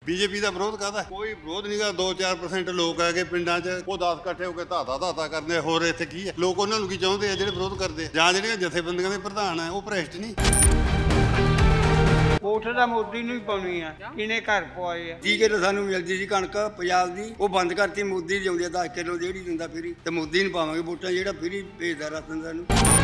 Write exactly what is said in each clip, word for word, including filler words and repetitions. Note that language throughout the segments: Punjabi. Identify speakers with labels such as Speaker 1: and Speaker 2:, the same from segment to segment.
Speaker 1: ਬੀਜੇਪੀ ਦਾ ਵਿਰੋਧ ਕਾਹਦਾ? ਕੋਈ ਵਿਰੋਧ ਨਹੀਂਗਾ। ਦੋ ਚਾਰ ਪਰਸੈਂਟ ਲੋਕ ਹੈਗੇ ਪਿੰਡਾਂ 'ਚ, ਉਹ ਦਸ ਇਕੱਠੇ ਹੋ ਕੇ ਧਾਤਾ ਧਾਤਾ ਕਰਦੇ। ਹੋਰ ਇੱਥੇ ਕੀ ਹੈ? ਲੋਕ ਉਹਨਾਂ ਨੂੰ ਕੀ ਚਾਹੁੰਦੇ ਆ ਜਿਹੜੇ ਵਿਰੋਧ ਕਰਦੇ ਆ? ਜਾਂ ਜਿਹੜੀਆਂ ਜਥੇਬੰਦੀਆਂ ਦੇ ਪ੍ਰਧਾਨ ਆ ਉਹ ਭ੍ਰਿਸ਼ਟ ਨਹੀਂ?
Speaker 2: ਵੋਟ ਦਾ ਮੋਦੀ ਨੂੰ ਹੀ ਪਾਉਣੀ ਆ, ਇਹਨੇ ਘਰ ਪਵਾਏ ਆ।
Speaker 3: ਤੀਹ ਕਿਲੋ ਸਾਨੂੰ ਮਿਲਦੀ ਸੀ ਕਣਕ ਪੰਜਾਬ ਦੀ, ਉਹ ਬੰਦ ਕਰਤੀ। ਮੋਦੀ ਲਿਆਉਂਦੀ ਆ ਦਸ ਕਿਲੋ ਜਿਹੜੀ ਦਿੰਦਾ ਫਰੀ, ਤੇ ਮੋਦੀ ਨੂੰ ਪਾਵਾਂਗੇ ਵੋਟਾਂ ਜਿਹੜਾ ਫਰੀ ਭੇਜਦਾ ਰਾਸ਼ਨ ਸਾਨੂੰ।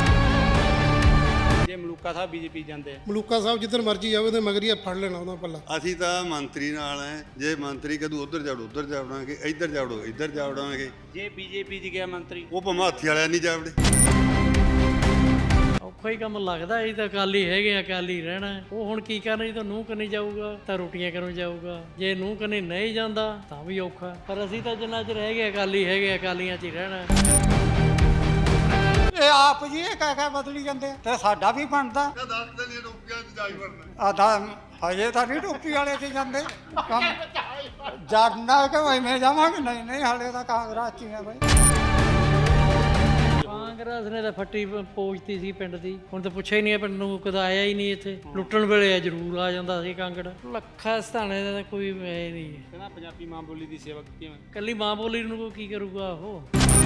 Speaker 4: ਜੇ ਮਲੂਕਾ ਸਾਹਿਬ ਬੀਜੇਪੀ ਜਾਂਦੇ ਆ,
Speaker 5: ਮਲੂਕਾ ਸਾਹਿਬ ਜਿੱਧਰ ਮਰਜੀ ਜਾਵੇ ਤੇ ਮਗਰੀਆ ਫੜ ਲੈਣਾ ਉਹਦਾ ਪੱਲਾ।
Speaker 1: ਅਸੀਂ ਤਾਂ ਮੰਤਰੀ ਨਾਲ ਹੈ, ਜੇ ਮੰਤਰੀ ਕਦੋਂ ਉਧਰ ਜਾੜੋ ਉਧਰ ਜਾਵੜਾਂਗੇ, ਇੱਧਰ ਜਾੜੋ ਇੱਧਰ ਜਾਵੜਾਂਗੇ।
Speaker 4: ਜੇ ਬੀਜੇਪੀ 'ਚ ਗਿਆ ਮੰਤਰੀ,
Speaker 1: ਉਹ ਭਾਵੇਂ ਹਾਥੀ ਵਾਲਿਆਂ ਨਹੀਂ ਜਾਵੜੇ।
Speaker 6: ਔਖਾ ਹੀ ਕੰਮ ਲੱਗਦਾ। ਇਹ ਤਾਂ ਅਕਾਲੀ ਹੈਗੇ, ਅਕਾਲੀ ਰਹਿਣਾ। ਉਹ ਹੁਣ ਕੀ ਕਰਨਾ? ਜਦੋਂ ਨੂੰਹ ਕਨੀ ਜਾਊਗਾ ਤਾਂ ਰੋਟੀਆਂ ਕਰਨ ਜਾਊਗਾ, ਜੇ ਨੂੰਹ ਕਨੀ ਨਹੀਂ ਜਾਂਦਾ ਤਾਂ ਵੀ ਔਖਾ। ਪਰ ਅਸੀਂ ਤਾਂ ਜਿੰਨਾ ਚਿਰ ਹੈਗੇ ਅਕਾਲੀ ਹੈਗੇ, ਅਕਾਲੀਆਂ 'ਚ ਹੀ ਰਹਿਣਾ।
Speaker 2: ਇਹ ਆਪ ਜੀ ਇਹ ਕਹਿ ਕਹਿ ਬਦਲੀ ਜਾਂਦੇ ਆ, ਤੇ ਸਾਡਾ ਵੀ ਬਣਦਾ। ਆਦਾ ਹਜੇ ਤਾਂ ਨਹੀਂ ਟੋਪੀ ਵਾਲੇ ਤੇ ਜਾਂਦੇ ਕੰਮ ਜਾਣਨਾ ਕਿ ਐਵੇਂ ਜਾਵਾਂਗੇ। ਨਹੀਂ ਨਹੀਂ ਹਾਲੇ ਤਾਂ ਕਾਂਗਰਸ 'ਚ ਹੀ ਆ ਬਈ।
Speaker 6: ਕਾਂਗਰਸ ਨੇ ਤਾਂ ਫੱਟੀ ਪੋਚਤੀ ਸੀ ਪਿੰਡ ਦੀ, ਹੁਣ ਤਾਂ ਪੁੱਛਿਆ ਹੀ ਨਹੀਂ ਪਿੰਡ ਨੂੰ, ਕਦੇ ਆਇਆ ਹੀ ਨਹੀਂ ਇੱਥੇ। ਲੁੱਟਣ ਵੇਲੇ ਜ਼ਰੂਰ ਆ ਜਾਂਦਾ ਸੀ ਕਾਂਗੜ। ਲੱਖਾ ਸਥਾਣੇ ਦਾ ਤਾਂ ਕੋਈ ਹੈ ਨਹੀਂ।
Speaker 4: ਕਹਿੰਦਾ ਪੰਜਾਬੀ ਮਾਂ ਬੋਲੀ ਦੀ ਸੇਵਾ ਕੀਤੀ ਮੈਂ।
Speaker 6: ਕੱਲੀ ਮਾਂ ਬੋਲੀ ਨੂੰ ਕੀ ਕਰੂਗਾ ਉਹ?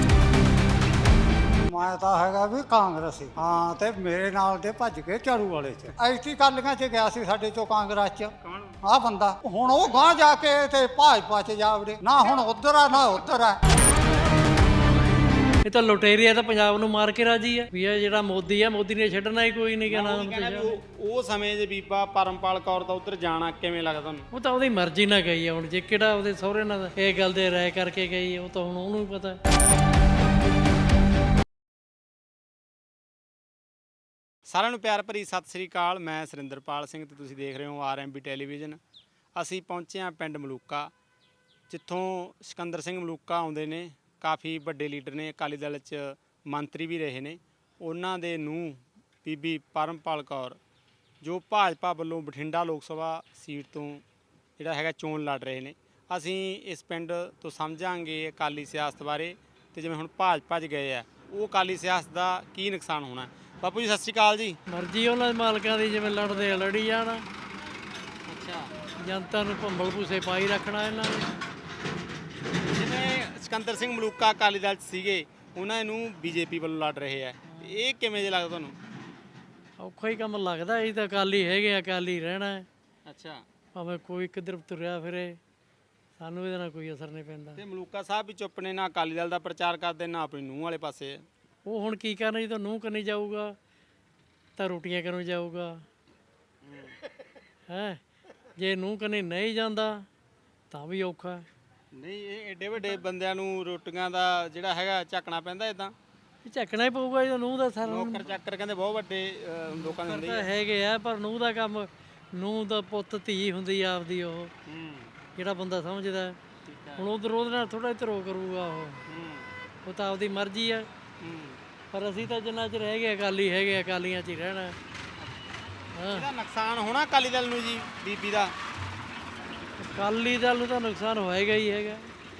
Speaker 2: ਮੈਂ ਤਾਂ ਹੈਗਾ ਵੀ ਕਾਂਗਰਸੀ ਹਾਂ, ਤੇ ਮੇਰੇ ਨਾਲ ਦੇ ਭੱਜ ਕੇ ਝਾੜੂ ਵਾਲੇ 'ਚ ਐਤੀ ਕਾਲੀਆਂ 'ਚ ਗਿਆ ਸੀ ਸਾਡੇ ਚੋਂ ਕਾਂਗਰਸ 'ਚ। ਆਹ ਬੰਦਾ ਹੁਣ ਉਹ ਗਾਂ ਜਾ ਕੇ ਤੇ ਭਾਜਪਾ 'ਚ ਜਾਵੜੇ ਨਾ। ਹੁਣ ਉਧਰ ਆ ਨਾ ਉਧਰ ਆ।
Speaker 6: ਇਹ ਤਾਂ ਲੁਟੇਰੀਆ ਤਾਂ ਪੰਜਾਬ ਨੂੰ ਮਾਰ ਕੇ ਰਾਜੀ ਹੈ ਵੀ ਇਹ ਜਿਹੜਾ ਮੋਦੀ ਆ, ਮੋਦੀ ਨੇ ਛੱਡਣਾ ਹੀ ਕੋਈ ਨਹੀਂ। ਕਹਿਣਾ
Speaker 4: ਉਹ ਸਮੇਂ ਦੇ ਬੀਬਾ ਪਰਮਪਾਲ ਕੌਰ ਦਾ ਉੱਧਰ ਜਾਣਾ ਕਿਵੇਂ ਲੱਗਦਾ ਤੁਹਾਨੂੰ?
Speaker 6: ਉਹ ਤਾਂ ਉਹਦੀ ਮਰਜ਼ੀ ਨਾਲ ਗਈ ਆ। ਹੁਣ ਜੇ ਕਿਹੜਾ ਉਹਦੇ ਸਹੁਰੇ ਨਾਲ ਇਹ ਗੱਲ ਦੇ ਰਾਏ ਕਰਕੇ ਗਈ, ਉਹ ਤਾਂ ਹੁਣ ਉਹਨੂੰ ਵੀ ਪਤਾ।
Speaker 4: ਸਾਰਿਆਂ ਨੂੰ ਪਿਆਰ ਭਰੀ ਸਤਿ ਸ੍ਰੀ ਅਕਾਲ। ਮੈਂ ਸੁਰਿੰਦਰਪਾਲ ਸਿੰਘ ਤੇ ਤੁਸੀਂ ਦੇਖ ਰਹੇ ਹੋ ਆਰ ਐਮ ਬੀ ਟੈਲੀਵਿਜ਼ਨ। ਅਸੀਂ ਪਹੁੰਚੇ ਹਾਂ ਪਿੰਡ ਮਲੂਕਾ, ਜਿੱਥੋਂ ਸਿਕੰਦਰ ਸਿੰਘ ਮਲੂਕਾ ਆਉਂਦੇ ਨੇ। ਕਾਫੀ ਵੱਡੇ ਲੀਡਰ ਨੇ, ਅਕਾਲੀ ਦਲ 'ਚ ਮੰਤਰੀ ਵੀ ਰਹੇ ਨੇ। ਉਹਨਾਂ ਦੇ ਨੂੰਹ ਬੀਬੀ ਪਰਮਪਾਲ ਕੌਰ, ਜੋ ਭਾਜਪਾ ਵੱਲੋਂ ਬਠਿੰਡਾ ਲੋਕ ਸਭਾ ਸੀਟ ਤੋਂ ਜਿਹੜਾ ਹੈਗਾ ਚੋਣ ਲੜ ਰਹੇ ਨੇ। ਅਸੀਂ ਇਸ ਪਿੰਡ ਤੋਂ ਸਮਝਾਂਗੇ ਅਕਾਲੀ ਸਿਆਸਤ ਬਾਰੇ, ਤੇ ਜਿਵੇਂ ਹੁਣ ਭਾਜਪਾ 'ਚ ਗਏ ਆ, ਉਹ ਅਕਾਲੀ ਸਿਆਸਤ ਦਾ ਕੀ ਨੁਕਸਾਨ ਹੋਣਾ। ਬਾਪੂ ਜੀ ਸਤਿ ਸ਼੍ਰੀ ਅਕਾਲ ਜੀ।
Speaker 6: ਮਰਜ਼ੀ ਉਹਨਾਂ ਦੇ ਮਾਲਕਾਂ ਦੀ, ਜਿਵੇਂ ਲੜਦੇ ਆ ਲੜੀ ਜਾਣਾ।
Speaker 4: ਅੱਛਾ,
Speaker 6: ਜਨਤਾ ਨੂੰ ਭੰਬਲ ਭੂਸੇ ਪਾਈ ਰੱਖਣਾ ਇਹਨਾਂ ਨੇ।
Speaker 4: ਜਿਵੇਂ ਸਿਕੰਦਰ ਸਿੰਘ ਮਲੂਕਾ ਅਕਾਲੀ ਦਲ 'ਚ ਸੀਗੇ, ਉਹਨਾਂ ਨੂੰ ਬੀਜੇਪੀ ਵੱਲੋਂ ਲੜ ਰਹੇ ਆ, ਇਹ ਕਿਵੇਂ ਜੇ ਲੱਗਦਾ ਤੁਹਾਨੂੰ?
Speaker 6: ਔਖਾ ਹੀ ਕੰਮ ਲੱਗਦਾ। ਇਹ ਤਾਂ ਅਕਾਲੀ ਹੈਗੇ, ਅਕਾਲੀ ਰਹਿਣਾ।
Speaker 4: ਅੱਛਾ,
Speaker 6: ਭਾਵੇਂ ਕੋਈ ਕਿੱਧਰ ਤੁਰਿਆ ਫਿਰੇ, ਸਾਨੂੰ ਇਹਦੇ ਨਾਲ ਕੋਈ ਅਸਰ ਨਹੀਂ ਪੈਂਦਾ।
Speaker 4: ਤੇ ਮਲੂਕਾ ਸਾਹਿਬ ਵੀ ਚੁੱਪ ਨੇ, ਨਾ ਅਕਾਲੀ ਦਲ ਦਾ ਪ੍ਰਚਾਰ ਕਰਦੇ, ਨਾ ਆਪਣੀ ਨੂੰਹ ਵਾਲੇ ਪਾਸੇ ਆ।
Speaker 6: ਉਹ ਹੁਣ ਕੀ ਕਰਨਾ? ਜਦੋਂ ਨੂੰਹ ਕਰਨੀ ਜਾਊਗਾ ਤਾਂ ਰੋਟੀਆਂ ਕਰਨ ਜਾਊਗਾ ਹੈ, ਜੇ ਨੂੰਹ ਕਰਨੀ ਨਹੀਂ ਜਾਂਦਾ ਤਾਂ ਵੀ ਔਖਾ।
Speaker 4: ਨਹੀਂ, ਇਹ ਐਡੇ ਵੱਡੇ ਬੰਦਿਆਂ ਨੂੰ ਰੋਟੀਆਂ ਦਾ ਜਿਹੜਾ ਹੈਗਾ ਝੱਕਣਾ ਪੈਂਦਾ। ਇਦਾਂ
Speaker 6: ਇਹ ਝੱਕਣਾ ਹੀ ਪਊਗਾ ਜਦੋਂ ਨੂੰਹ ਦਾ ਸਾਰਾ।
Speaker 4: ਨੌਕਰ ਚਾਕਰ ਕਹਿੰਦੇ ਬਹੁਤ ਵੱਡੇ ਅਹ, ਲੋਕਾਂ ਦੇ ਹੁੰਦੇ
Speaker 6: ਤਾਂ
Speaker 4: ਆ।
Speaker 6: ਹੈਗੇ ਆ, ਪਰ ਨੂੰਹ ਦਾ ਕੰਮ, ਨੂੰਹ ਦਾ ਪੁੱਤ ਧੀ ਹੁੰਦੀ ਆ ਆਪਦੀ। ਉਹ
Speaker 4: ਹੂੰ,
Speaker 6: ਜਿਹੜਾ ਬੰਦਾ ਸਮਝਦਾ,
Speaker 4: ਠੀਕ ਹੈ।
Speaker 6: ਹੁਣ ਉਧਰ ਉਹਦੇ ਨਾਲ ਥੋੜਾ ਧਰੋ ਕਰੂਗਾ ਉਹ।
Speaker 4: ਹੂੰ,
Speaker 6: ਉਹ ਤਾਂ ਆਪਦੀ ਮਰਜ਼ੀ ਆ।
Speaker 4: ਹੂੰ।
Speaker 6: ਪਰ ਅਸੀਂ ਤਾਂ ਜਿੰਨਾ ਚਿਰ ਹੈਗੇ ਅਕਾਲੀ ਹੈਗੇ, ਅਕਾਲੀਆਂ 'ਚ ਹੀ ਰਹਿਣਾ। ਹਾਂ,
Speaker 4: ਇਹਦਾ ਨੁਕਸਾਨ ਹੋਣਾ ਅਕਾਲੀ ਦਲ ਨੂੰ ਜੀ, ਬੀਬੀ ਦਾ?
Speaker 6: ਅਕਾਲੀ ਦਲ ਨੂੰ ਤਾਂ ਨੁਕਸਾਨ ਹੋਏਗਾ ਹੀ ਹੈਗਾ।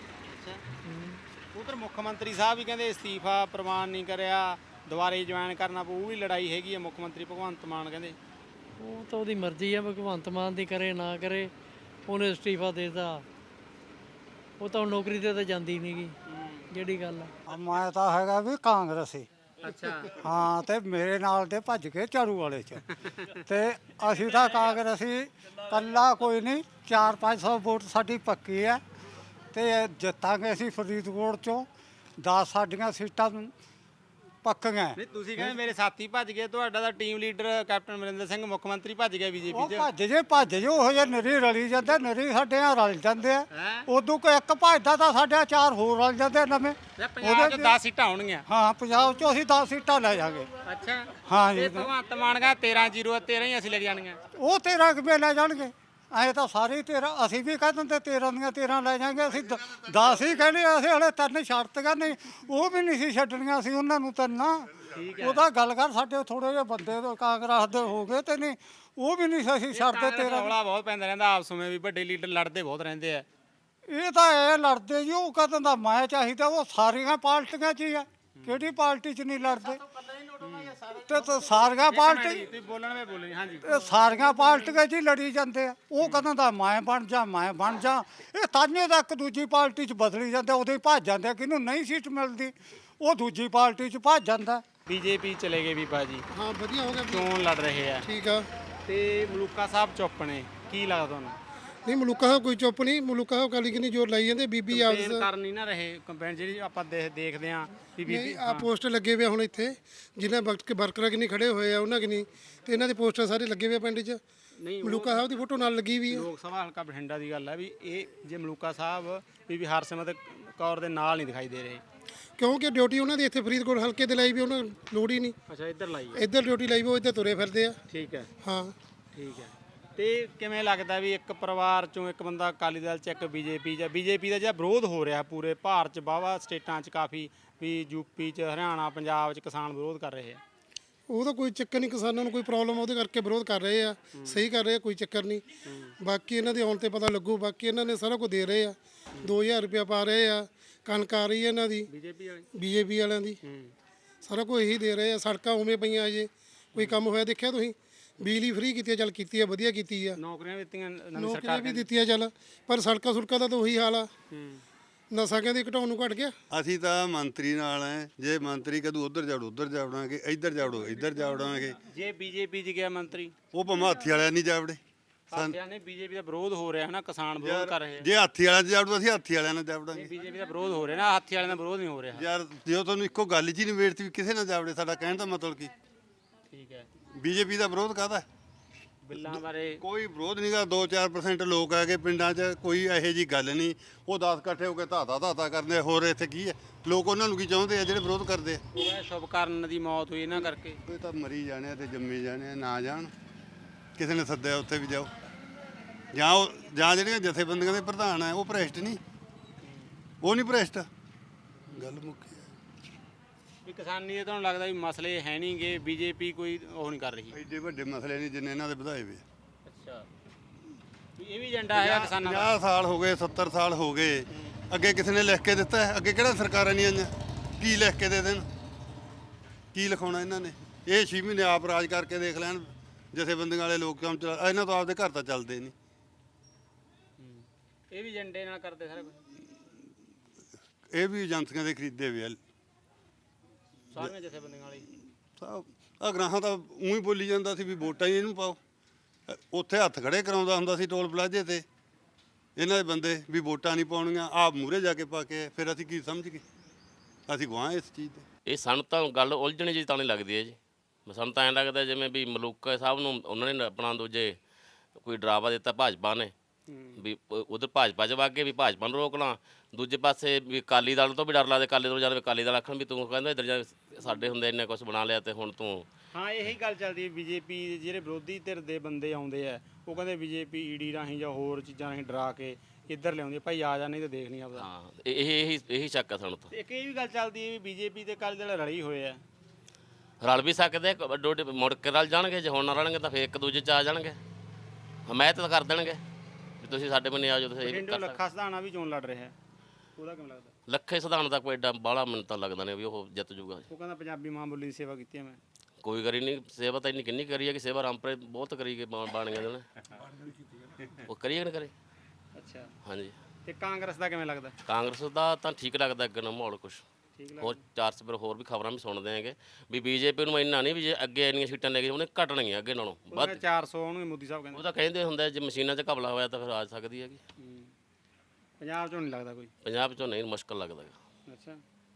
Speaker 4: ਉਧਰ ਮੁੱਖ ਮੰਤਰੀ ਸਾਹਿਬ ਵੀ ਕਹਿੰਦੇ ਅਸਤੀਫਾ ਪ੍ਰਵਾਨ ਨਹੀਂ ਕਰਿਆ, ਦੁਬਾਰੇ ਜੁਆਇਨ ਕਰਨਾ ਪਊ। ਉਹ ਵੀ ਲੜਾਈ ਹੈਗੀ ਹੈ। ਮੁੱਖ ਮੰਤਰੀ ਭਗਵੰਤ ਮਾਨ ਕਹਿੰਦੇ
Speaker 6: ਉਹ ਤਾਂ ਉਹਦੀ ਮਰਜ਼ੀ ਆ, ਭਗਵੰਤ ਮਾਨ ਦੀ ਕਰੇ ਨਾ ਕਰੇ। ਉਹਨੇ ਅਸਤੀਫਾ ਦੇ ਦਿੱਤਾ, ਉਹ ਤਾਂ ਹੁਣ ਨੌਕਰੀ ਤੇ ਤਾਂ ਜਾਂਦੀ ਨਹੀਂ ਗੀ। ਜਿਹੜੀ ਗੱਲ ਆ,
Speaker 2: ਮੈਂ ਤਾਂ ਹੈਗਾ ਵੀ ਕਾਂਗਰਸੀ
Speaker 4: ਅੱਛਾ
Speaker 2: ਹਾਂ, ਤੇ ਮੇਰੇ ਨਾਲ ਦੇ ਭੱਜ ਕੇ ਝਾੜੂ ਵਾਲੇ 'ਚ। ਤੇ ਅਸੀਂ ਤਾਂ ਕਾਂਗਰਸੀ ਕੱਲਾ ਕੋਈ ਨਹੀਂ, ਚਾਰ ਪੰਜ ਸੌ ਵੋਟ ਸਾਡੀ ਪੱਕੀ ਹੈ, ਤੇ ਜਿੱਤਾਂਗੇ ਅਸੀਂ ਫਰੀਦਕੋਟ 'ਚੋਂ। ਦਸ ਸਾਡੀਆਂ ਸੀਟਾਂ ਪੱਕੀਆਂ।
Speaker 4: ਨਹੀਂ, ਤੁਸੀਂ ਕਹਿੰਦੇ ਮੇਰੇ ਸਾਥੀ ਭੱਜ ਗਏ, ਤੁਹਾਡਾ ਤਾਂ team leader captain Amarinder Singh ਮੁੱਖ ਮੰਤਰੀ ਭੱਜ ਗਿਆ ਬੀਜੇਪੀ
Speaker 2: ਉਹ
Speaker 4: 'ਚ।
Speaker 2: ਭੱਜ ਜੇ ਭੱਜ ਜੇ ਉਹ ਜੇ ਨਰੀ ਰਲੀ ਜਾਂਦੇ, ਨਰੀ ਸਾਡੇ ਨਾਲ ਰਲ ਜਾਂਦੇ ਆ।
Speaker 4: ਹੈਂ?
Speaker 2: ਉਦੋਂ ਕੋਈ ਇੱਕ ਭੱਜਦਾ ਤਾਂ ਸਾਡੇ ਚਾਰ ਹੋਰ ਰਲ ਜਾਂਦੇ ਨਵੇਂ।
Speaker 4: ਪੰਜਾਬ 'ਚ ਦਸ ਸੀਟਾਂ ਹੋਣਗੀਆਂ।
Speaker 2: ਹਾਂ, ਪੰਜਾਬ 'ਚੋਂ ਅਸੀਂ ਦਸ ਸੀਟਾਂ ਲੈ ਜਾਾਂਗੇ।
Speaker 4: ਅੱਛਾ,
Speaker 2: ਹਾਂ
Speaker 4: ਤੇ
Speaker 2: ਜੀ,
Speaker 4: ਭਗਵੰਤ ਮਾਨ ਕਹਿੰਦਾ ਤੇਰਾਂ ਜ਼ੀਰੋ ਤੇਰਾਂ ਹੀ ਅਸੀਂ ਲੈ ਜਾਣੀਆਂ।
Speaker 2: ਉਹ ਤੇਰਾਂ ਕਿਵੇਂ ਲੈ ਜਾਣਗੇ? ਐਂ ਤਾਂ ਸਾਰੇ ਤੇਰਾਂ, ਅਸੀਂ ਵੀ ਕਹਿ ਦਿੰਦੇ ਤੇਰਾਂ ਦੀਆਂ ਤੇਰਾਂ ਲੈ ਜਾਾਂਗੇ। ਅਸੀਂ ਦ- ਦਸ ਹੀ ਕਹਿੰਦੇ, ਅਸੀਂ ਹਲੇ ਤਿੰਨ ਛੱਡਤੀਆਂ ਨਹੀਂ, ਉਹ ਵੀ ਨਹੀਂ ਸੀ ਛੱਡਣੀਆਂ ਸੀ ਉਹਨਾਂ ਨੂੰ ਤਿੰਨ। ਉਹਦਾ ਗੱਲ ਕਰ, ਸਾਡੇ ਥੋੜੇ ਜਿਹੇ ਬੰਦੇ ਤੋਂ ਕਾਂਗਰਸ ਦੇ ਹੋ ਗਏ ਤੇ ਨਹੀਂ, ਉਹ ਵੀ ਨਹੀਂ ਸੀ ਅਸੀਂ ਛੱਡਦੇ ਤੇਰਾਂ।
Speaker 4: ਰੌਲਾ ਬਹੁਤ ਪੈਂਦਾ ਰਹਿੰਦਾ ਆਪਸ ਵਿੱਚ ਵੀ, ਵੱਡੇ ਲੀਡਰ ਲੜਦੇ ਬਹੁਤ ਰਹਿੰਦੇ ਆ।
Speaker 2: ਇਹ ਤਾਂ ਇਹ ਲੜਦੇ ਜੀ, ਉਹ ਕਹਿੰਦਾ ਮੈਂ ਚਾਹੀਦਾ। ਉਹ ਸਾਰੀਆਂ ਪਾਰਟੀਆਂ 'ਚ ਹੀ ਆ, ਕਿਹੜੀ ਪਾਰਟੀ 'ਚ ਨਹੀਂ ਲੜਦੇ। ਤੇ ਤਾਂ ਸਾਰੀਆਂ ਪਾਰਟੀ
Speaker 4: ਤੁਸੀਂ ਬੋਲਣ ਵੇ ਬੋਲੇ ਹਾਂਜੀ
Speaker 2: ਇਹ ਸਾਰੀਆਂ ਪਾਰਟੀਆਂ ਜੀ ਲੜੀ ਜਾਂਦੇ ਆ। ਉਹ ਕਹਿੰਦਾ ਦਾ ਮੈਂ ਬਣ ਜਾ ਮੈਂ ਬਣ ਜਾ। ਇਹ ਤਾਂਨੇ ਦਾ ਇੱਕ ਦੂਜੀ ਪਾਰਟੀ 'ਚ ਬਦਲੀ ਜਾਂਦੇ, ਉਦੋਂ ਹੀ ਭੱਜ ਜਾਂਦੇ। ਕਿਹਨੂੰ ਨਹੀਂ ਸੀਟ ਮਿਲਦੀ ਉਹ ਦੂਜੀ ਪਾਰਟੀ 'ਚ ਭੱਜ ਜਾਂਦਾ।
Speaker 4: ਬੀਜੇਪੀ ਚਲੇ ਗਏ ਬੀਬਾ ਜੀ,
Speaker 5: ਹਾਂ ਵਧੀਆ ਹੋ ਗਿਆ ਵੀ।
Speaker 4: ਚੋਣ ਲੜ ਰਹੇ ਆ
Speaker 5: ਠੀਕ ਆ।
Speaker 4: ਤੇ ਮਲੂਕਾ ਸਾਹਿਬ ਚੁੱਪ ਨੇ, ਕੀ ਲੱਗਦਾ ਤੁਹਾਨੂੰ?
Speaker 5: ਨਹੀਂ ਮਲੂਕਾ ਸਾਹਿਬ ਕੋਈ ਚੁੱਪ ਨਹੀਂ। ਮਲੂਕਾ ਸਾਹਿਬ ਕਾਲੀ ਕਿੰਨੀ ਜ਼ੋਰ ਲਾਈ ਜਾਂਦੇ। ਬੀਬੀ ਆਪਸ
Speaker 4: ਕੰਪੇਨ ਕਰ ਨਹੀਂ ਨਾ ਰਹੇ। ਕੰਪੇਨ ਜਿਹੜੀ ਆਪਾਂ ਦੇਖ- ਦੇਖਦੇ ਆ ਵੀ ਬੀਬੀ
Speaker 5: ਨਹੀਂ ਆ ਪੋਸਟਰ ਲੱਗੇ ਹੋਏ ਆ ਹੁਣ ਇੱਥੇ, ਜਿਨ੍ਹਾਂ ਵਕਤ ਕੇ ਵਰਕਰਾਂ ਕਿੰਨੀ ਖੜੇ ਹੋਏ ਆ ਉਹਨਾਂ ਕਿੰਨੀ, ਤੇ ਇਹਨਾਂ ਦੇ ਪੋਸਟਰ ਸਾਰੇ ਲੱਗੇ ਹੋਏ ਆ ਪਿੰਡ 'ਚ।
Speaker 4: ਨਹੀਂ
Speaker 5: ਮਲੂਕਾ ਸਾਹਿਬ ਦੀ ਫੋਟੋ ਨਾਲ ਲੱਗੀ ਵੀ ਹੈ।
Speaker 4: ਲੋਕ ਸਭਾ ਹਲਕਾ ਬਠਿੰਡਾ ਦੀ ਗੱਲ ਹੈ ਵੀ ਇਹ ਜੇ ਮਲੂਕਾ ਸਾਹਿਬ ਬੀਬੀ ਹਰਸਿਮਰਤ ਕੌਰ ਦੇ ਨਾਲ ਨਹੀਂ ਦਿਖਾਈ ਦੇ ਰਹੇ।
Speaker 5: ਕਿਉਂਕਿ ਡਿਊਟੀ ਉਹਨਾਂ ਦੀ ਇੱਥੇ ਫਰੀਦਕੋਟ ਹਲਕੇ ਤੇ ਲਾਈ ਵੀ, ਉਹਨਾਂ ਨੂੰ ਲੋੜ ਹੀ ਨਹੀਂ।
Speaker 4: ਅੱਛਾ ਇੱਧਰ ਲਾਈ ਹੈ।
Speaker 5: ਇੱਧਰ ਡਿਊਟੀ ਲਾਈ ਵੀ, ਉਹ ਇੱਧਰ ਤੁਰੇ ਫਿਰਦੇ ਆ।
Speaker 4: ਠੀਕ ਹੈ
Speaker 5: ਹਾਂ
Speaker 4: ਠੀਕ ਹੈ। ਤੇ ਕਿਵੇਂ ਲੱਗਦਾ ਵੀ ਇੱਕ ਪਰਿਵਾਰ ਚੋਂ ਇੱਕ ਬੰਦਾ ਅਕਾਲੀ ਦਲ ਚ ਇੱਕ ਬੀਜੇਪੀ ਜਾਂ ਬੀਜੇਪੀ ਦਾ ਜਿਹੜਾ ਵਿਰੋਧ ਹੋ ਰਿਹਾ ਪੂਰੇ ਭਾਰਤ ਚ ਵਾਹਵਾ ਸਟੇਟਾਂ ਚ ਕਾਫੀ ਵੀ ਯੂਪੀ ਚ ਹਰਿਆਣਾ ਪੰਜਾਬ ਚ ਕਿਸਾਨ ਵਿਰੋਧ ਕਰ ਰਹੇ ਆ?
Speaker 5: ਉਹਦਾ ਕੋਈ ਚੱਕਰ ਨਹੀਂ, ਕਿਸਾਨਾਂ ਨੂੰ ਕੋਈ ਪ੍ਰੋਬਲਮ ਉਹਦੇ ਕਰਕੇ ਵਿਰੋਧ ਕਰ ਰਹੇ ਆ। ਸਹੀ ਕਰ ਰਹੇ ਆ, ਕੋਈ ਚੱਕਰ ਨਹੀਂ। ਬਾਕੀ ਇਹਨਾਂ ਦੇ ਆਉਣ ਤੇ ਪਤਾ ਲੱਗੂ। ਬਾਕੀ ਇਹਨਾਂ ਨੇ ਸਾਰਾ ਕੁਝ ਦੇ ਰਹੇ ਆ। ਦੋ ਹਜ਼ਾਰ ਰੁਪਇਆ ਪਾ ਰਹੇ ਆ, ਕਣਕ ਆ ਰਹੀ ਹੈ ਇਹਨਾਂ ਦੀ
Speaker 4: ਬੀਜੇਪੀ ਵਾਲੇ
Speaker 5: ਬੀਜੇਪੀ ਵਾਲਿਆਂ ਦੀ, ਸਾਰਾ ਕੁਝ ਇਹੀ ਦੇ ਰਹੇ ਆ। ਸੜਕਾਂ ਉਵੇਂ ਪਈਆਂ ਅਜੇ, ਕੋਈ ਕੰਮ ਹੋਇਆ ਦੇਖਿਆ ਤੁਸੀਂ? ਬਿਜਲੀ ਫ੍ਰੀ ਕੀਤੀ ਆ, ਚੱਲ ਕੀਤੀ ਆ, ਵਧੀਆ ਕੀਤੀ ਆ।
Speaker 4: ਨੌਕਰੀਆਂ ਦਿੱਤੀਆਂ ਨਵੀਂ
Speaker 5: ਨੌਕਰੀਆਂ
Speaker 4: ਸਰਕਾਰ
Speaker 5: ਵੀ ਦਿੱਤੀਆਂ ਚੱਲ, ਪਰ ਸੜਕਾਂ ਸੁੜਕਾਂ ਦਾ ਤਾਂ ਉਹੀ ਹਾਲ ਆ। ਨਸ਼ਾ ਕਹਿੰਦੇ ਘਟਾਉਣ ਨੂੰ ਘਟ ਗਿਆ।
Speaker 1: ਅਸੀਂ ਤਾਂ ਮੰਤਰੀ ਨਾਲ ਹੈ। ਜੇ ਮੰਤਰੀ ਕਦੋਂ ਉਧਰ ਜਾੜੋ ਉਧਰ ਜਾਵੜਾਂਗੇ, ਇੱਧਰ ਜਾੜੋ ਇੱਧਰ ਜਾਵੜਾਂਗੇ।
Speaker 4: ਜੇ ਬੀਜੇਪੀ ਚ ਗਿਆ ਮੰਤਰੀ,
Speaker 1: ਉਹ ਭਾਵੇਂ ਹਾਥੀ ਵਾਲਿਆਂ ਨਹੀਂ ਜਾਵੜੇ।
Speaker 4: ਸਾਥੀਆਂ ਨੇ ਬੀਜੇਪੀ ਦਾ ਵਿਰੋਧ ਹੋ ਰਿਹਾ ਹੈ ਨਾ, ਕਿਸਾਨ ਵਿਰੋਧ ਕਰ ਰਹੇ ਆ।
Speaker 1: ਜੇ ਹਾਥੀ ਵਾਲਿਆਂ 'ਚ ਜਾਵੜੋ ਅਸੀਂ ਹਾਥੀ ਵਾਲਿਆਂ ਨਾਲ ਜਾਵੜਾਂਗੇ।
Speaker 4: ਬੀਜੇਪੀ ਦਾ ਵਿਰੋਧ ਹੋ ਰਿਹਾ ਨਾ, ਹਾਥੀ ਵਾਲਿਆਂ ਦਾ ਵਿਰੋਧ ਨਹੀਂ ਹੋ ਰਿਹਾ।
Speaker 1: ਯਾਰ ਜੇ ਤੁਹਾਨੂੰ ਇੱਕੋ ਗੱਲ 'ਚ ਹੀ ਨਿਬੇੜਤੀ ਵੀ ਕਿਸੇ ਨਾਲ ਜਾਵੜੇ, ਸਾਡਾ ਕਹਿਣ ਦਾ ਮਤਲਬ ਕੀ?
Speaker 4: ਠੀਕ ਹੈ।
Speaker 1: ਬੀਜੇਪੀ ਦਾ ਵਿਰੋਧ ਕਾਹਦਾ?
Speaker 4: ਬਿੱਲਾਂ ਬਾਰੇ
Speaker 1: ਕੋਈ ਵਿਰੋਧ ਨਹੀਂਗਾ। ਦੋ ਚਾਰ ਪਰਸੈਂਟ ਲੋਕ ਹੈਗੇ ਪਿੰਡਾਂ 'ਚ, ਕੋਈ ਇਹੋ ਜੀ ਗੱਲ ਨਹੀਂ। ਉਹ ਦਸ ਇਕੱਠੇ ਹੋ ਕੇ ਧਾਤਾ ਧਾਤਾ ਕਰਦੇ। ਹੋਰ ਇੱਥੇ ਕੀ ਹੈ? ਲੋਕ ਉਹਨਾਂ ਨੂੰ ਕੀ ਚਾਹੁੰਦੇ ਆ ਜਿਹੜੇ ਵਿਰੋਧ ਕਰਦੇ ਆ?
Speaker 4: ਉਹ ਸ਼ੁਭਕਰਨ ਦੀ ਮੌਤ ਹੋਈ ਇਹਨਾਂ ਕਰਕੇ।
Speaker 1: ਇਹ ਤਾਂ ਮਰੀ ਜਾਣੇ ਆ ਤੇ ਜੰਮੀ ਜਾਣੇ ਆ, ਨਾ ਜਾਣ। ਕਿਸੇ ਨੇ ਸੱਦਿਆ ਉੱਥੇ ਵੀ ਜਾਓ। ਜਾਂ ਉਹ ਜਾਂ ਜਿਹੜੀਆਂ ਜਥੇਬੰਦੀਆਂ ਦੇ ਪ੍ਰਧਾਨ ਆ ਉਹ ਭ੍ਰਿਸ਼ਟ ਨਹੀਂ, ਉਹ ਨਹੀਂ ਭ੍ਰਿਸ਼ਟ। ਗੱਲ ਮੁੱਕੀ ਹੈ।
Speaker 4: ਵੀ ਕਿਸਾਨੀ ਦੇ ਤੁਹਾਨੂੰ ਲੱਗਦਾ ਵੀ ਮਸਲੇ ਹੈ ਨਹੀਂਗੇ, ਬੀਜੇਪੀ ਕੋਈ ਉਹ ਨਹੀਂ ਕਰ ਰਹੀ?
Speaker 1: ਐਡੇ ਵੱਡੇ ਮਸਲੇ ਨਹੀਂ ਜਿੰਨੇ ਇਹਨਾਂ ਦੇ ਵਧਾਏ ਵੇ।
Speaker 4: ਅੱਛਾ, ਵੀ ਇਹ ਵੀ ਏਜੰਡਾ ਹੈਗਾ ਕਿਸਾਨਾਂ ਦਾ?
Speaker 1: ਪੰਜਾਹ ਸਾਲ ਹੋ ਗਏ, ਸੱਤਰ ਸਾਲ ਹੋ ਗਏ। ਅੱਗੇ ਕਿਸੇ ਨੇ ਲਿਖ ਕੇ ਦਿੱਤਾ ਹੈ? ਅੱਗੇ ਕਿਹੜਾ ਸਰਕਾਰਾਂ ਨਹੀਂ ਆਈਆਂ? ਕੀ ਲਿਖ ਕੇ ਦੇ ਦੇਣ? ਕੀ ਲਿਖਾਉਣਾ ਇਹਨਾਂ ਨੇ? ਇਹ ਛੇ ਮਹੀਨੇ ਆਪ ਰਾਜ ਕਰਕੇ ਦੇਖ ਲੈਣ। ਜਥੇਬੰਦੀਆਂ ਵਾਲੇ ਲੋਕ ਕੰਮ ਚਲਾ, ਇਹਨਾਂ ਤੋਂ ਆਪਦੇ ਘਰ ਤਾਂ ਚੱਲਦੇ ਨਹੀਂ।
Speaker 4: ਇਹ ਵੀ ਏਜੰਡੇ ਨਾਲ ਕਰਦੇ ਸਾਰਾ ਕੁਝ?
Speaker 1: ਇਹ ਵੀ ਏਜੰਸੀਆਂ ਦੇ ਖਰੀਦੇ ਵੇ ਆ।
Speaker 4: ਸਾਰੀਆਂ ਜਥੇਬੰਦੀਆਂ ਵਾਲੇ
Speaker 1: ਸਭ ਆ ਗ੍ਰਾਹਾਂ ਤਾਂ ਉਹੀ ਬੋਲੀ ਜਾਂਦਾ ਸੀ ਵੀ ਵੋਟਾਂ ਹੀ ਇਹਨੂੰ ਪਾਓ। ਅ, ਉੱਥੇ ਹੱਥ ਖੜੇ ਕਰਾਉਂਦਾ ਹੁੰਦਾ ਸੀ ਟੋਲ ਪਲਾਜ਼ੇ ਤੇ ਇਹਨਾਂ ਦੇ ਬੰਦੇ ਵੀ ਵੋਟਾਂ ਨਹੀਂ ਪਾਉਣੀਆਂ। ਆਪ ਮੂਹਰੇ ਜਾ ਕੇ ਪਾ ਕੇ ਫਿਰ ਅਸੀਂ ਕੀ ਸਮਝ ਗਏ? ਅਸੀਂ ਗਵਾਹ ਇਸ ਚੀਜ਼ ਤੇ।
Speaker 7: ਇਹ ਸਾਨੂੰ ਤਾਂ ਗੱਲ ਉਲਝਣੀ ਜੀ ਤਾਂ ਨਹੀਂ ਲੱਗਦੀ ਹੈ ਜੀ। ਸਾਨੂੰ ਤਾਂ ਐਂ ਲੱਗਦਾ ਜਿਵੇਂ ਵੀ ਮਲੂਕਾ ਸਾਹਿਬ ਨੂੰ ਉਹਨਾਂ ਨੇ ਆਪਣਾ ਦੂਜੇ ਕੋਈ ਡਰਾਵਾ ਦਿੱਤਾ ਭਾਜਪਾ ਨੇ ਵੀ ਉਧਰ ਭਾਜਪਾ 'ਚ ਵਗ ਕੇ ਵੀ ਭਾਜਪਾ ਨੂੰ ਰੋਕ ਲਾਂ, ਦੂਜੇ ਪਾਸੇ ਵੀ ਅਕਾਲੀ ਦਲ ਤੋਂ ਵੀ ਡਰ ਲੱਗਦਾ। ਅਕਾਲੀ ਦਲ ਜਦ ਅਕਾਲੀ ਦਲ ਆਖਣ ਵੀ ਤੂੰ ਕਹਿੰਦਾ ਇੱਧਰ ਜਾ ਸਾਡੇ ਹੁੰਦੇ ਇੰਨੇ ਕੁਛ ਬਣਾ ਲਿਆ ਤੇ ਹੁਣ ਤੂੰ।
Speaker 4: ਹਾਂ ਇਹੀ ਗੱਲ ਚੱਲਦੀ ਹੈ। ਬੀਜੇਪੀ ਦੇ ਜਿਹੜੇ ਵਿਰੋਧੀ ਧਿਰ ਦੇ ਬੰਦੇ ਆਉਂਦੇ ਆ ਉਹ ਕਹਿੰਦੇ ਬੀਜੇਪੀ ਈਡੀ ਰਾਹੀਂ ਜਾਂ ਹੋਰ ਚੀਜ਼ਾਂ ਰਾਹੀਂ ਡਰਾ ਕੇ ਇੱਧਰ ਲਿਆਉਂਦੀ ਭਾਈ ਆ ਜਾ ਨਹੀਂ ਤਾਂ ਦੇਖ ਨਹੀਂ ਆਪਦਾ।
Speaker 7: ਹਾਂ ਇਹ ਇਹੀ ਇਹੀ ਸ਼ੱਕ ਆ ਸਾਨੂੰ ਤਾਂ।
Speaker 4: ਤੇ ਇੱਕ ਇਹ ਵੀ ਗੱਲ ਚੱਲਦੀ ਹੈ ਵੀ ਬੀਜੇਪੀ ਤੇ ਅਕਾਲੀ ਦਲ ਰਲੀ ਹੋਏ ਆ।
Speaker 7: ਰਲ ਵੀ ਸਕਦੇ ਆ, ਡੋਡੇ ਮੁੜ ਕੇ ਰਲ ਜਾਣਗੇ। ਜੇ ਹੁਣ ਨਾ ਰਲਣਗੇ ਤਾਂ ਫਿਰ ਇੱਕ ਦੂਜੇ 'ਚ ਆ ਜਾਣਗੇ, ਹਮਾਇਤ ਤਾਂ ਕਰ ਦੇਣਗੇ ਵੀ ਤੁਸੀਂ ਸਾਡੇ ਬੰਨੇ ਆ ਜਾਓ। ਤੁਸੀਂ ਇਹ
Speaker 4: ਬਠਿੰਡੇ
Speaker 7: ਕਰ ਸਕਦੇ।
Speaker 4: ਲੱਖਾ ਸਧਾਣਾ ਵੀ ਚੋਣ ਲੜ ਰਿਹਾ ਹੈ, ਉਹਦਾ ਕਿਵੇਂ ਲੱਗਦਾ?
Speaker 7: ਲੱਖੇ ਸਿਧਾਂਤ ਦਾ ਕੋਈ ਐਡਾ ਬਾਹਲਾ ਮੈਨੂੰ ਤਾਂ ਲੱਗਦਾ ਨਹੀਂ ਵੀ ਉਹ ਜਿੱਤ ਜੂਗਾ।
Speaker 4: ਉਹ ਕਹਿੰਦਾ ਪੰਜਾਬੀ ਮਾਂ ਬੋਲੀ ਦੀ ਸੇਵਾ ਕੀਤੀ ਹੈ ਮੈਂ।
Speaker 7: ਕੋਈ ਕਰੀ ਨਹੀਂ ਸੇਵਾ ਤਾਂ ਇੰਨੀ ਕਿੰਨੀ ਕਰੀ ਹੈ ਕਿ ਸੇਵਾ ਰਾਮਪੁਰੇ ਬਹੁਤ ਕਰੀ ਗਏ ਬਾਣੀਆਂ ਦੇ ਉਹਨੇ। ਉਹ ਕਰੀ ਕਿ ਨਾ ਕਰੇ?
Speaker 4: ਅੱਛਾ,
Speaker 7: ਹਾਂਜੀ।
Speaker 4: ਤੇ ਕਾਂਗਰਸ ਦਾ ਕਿਵੇਂ ਲੱਗਦਾ?
Speaker 7: ਕਾਂਗਰਸ ਦਾ ਤਾਂ ਠੀਕ ਲੱਗਦਾ ਅੱਗੇ ਨਾ ਮਾਹੌਲ ਕੁਛ
Speaker 4: ਠੀਕ
Speaker 7: ਹੋਰ। ਚਾਰ ਸਪਰ ਹੋਰ ਵੀ ਖਬਰਾਂ ਵੀ ਸੁਣਦੇ ਹੈਗੇ ਵੀ ਬੀਜੇਪੀ ਨੂੰ ਇੰਨਾ ਨਹੀਂ ਵੀ ਜੇ ਅੱਗੇ ਇੰਨੀਆਂ ਸੀਟਾਂ ਲੈ ਕੇ ਉਹਨੇ ਘਟਣਗੀਆਂ ਅੱਗੇ ਨਾਲੋਂ ਵੱਧ।
Speaker 4: ਚਾਰ ਸੌ ਉਹਨੂੰ ਮੋਦੀ ਸਾਹਿਬ ਕਹਿੰਦੇ।
Speaker 7: ਉਹ ਤਾਂ ਕਹਿੰਦੇ ਹੁੰਦੇ ਜੇ ਮਸ਼ੀਨਾਂ 'ਚ ਘਪਲਾ ਹੋਇਆ ਤਾਂ ਫਿਰ ਆ ਸਕਦੀ ਹੈਗੀ।
Speaker 4: ਪੰਜਾਬ ਚੋਂ ਨਹੀਂ ਲੱਗਦਾ ਕੋਈ?
Speaker 7: ਪੰਜਾਬ 'ਚੋਂ ਨਹੀਂ, ਮੁਸ਼ਕਲ ਲੱਗਦਾ ਗਾ।
Speaker 4: ਅੱਛਾ,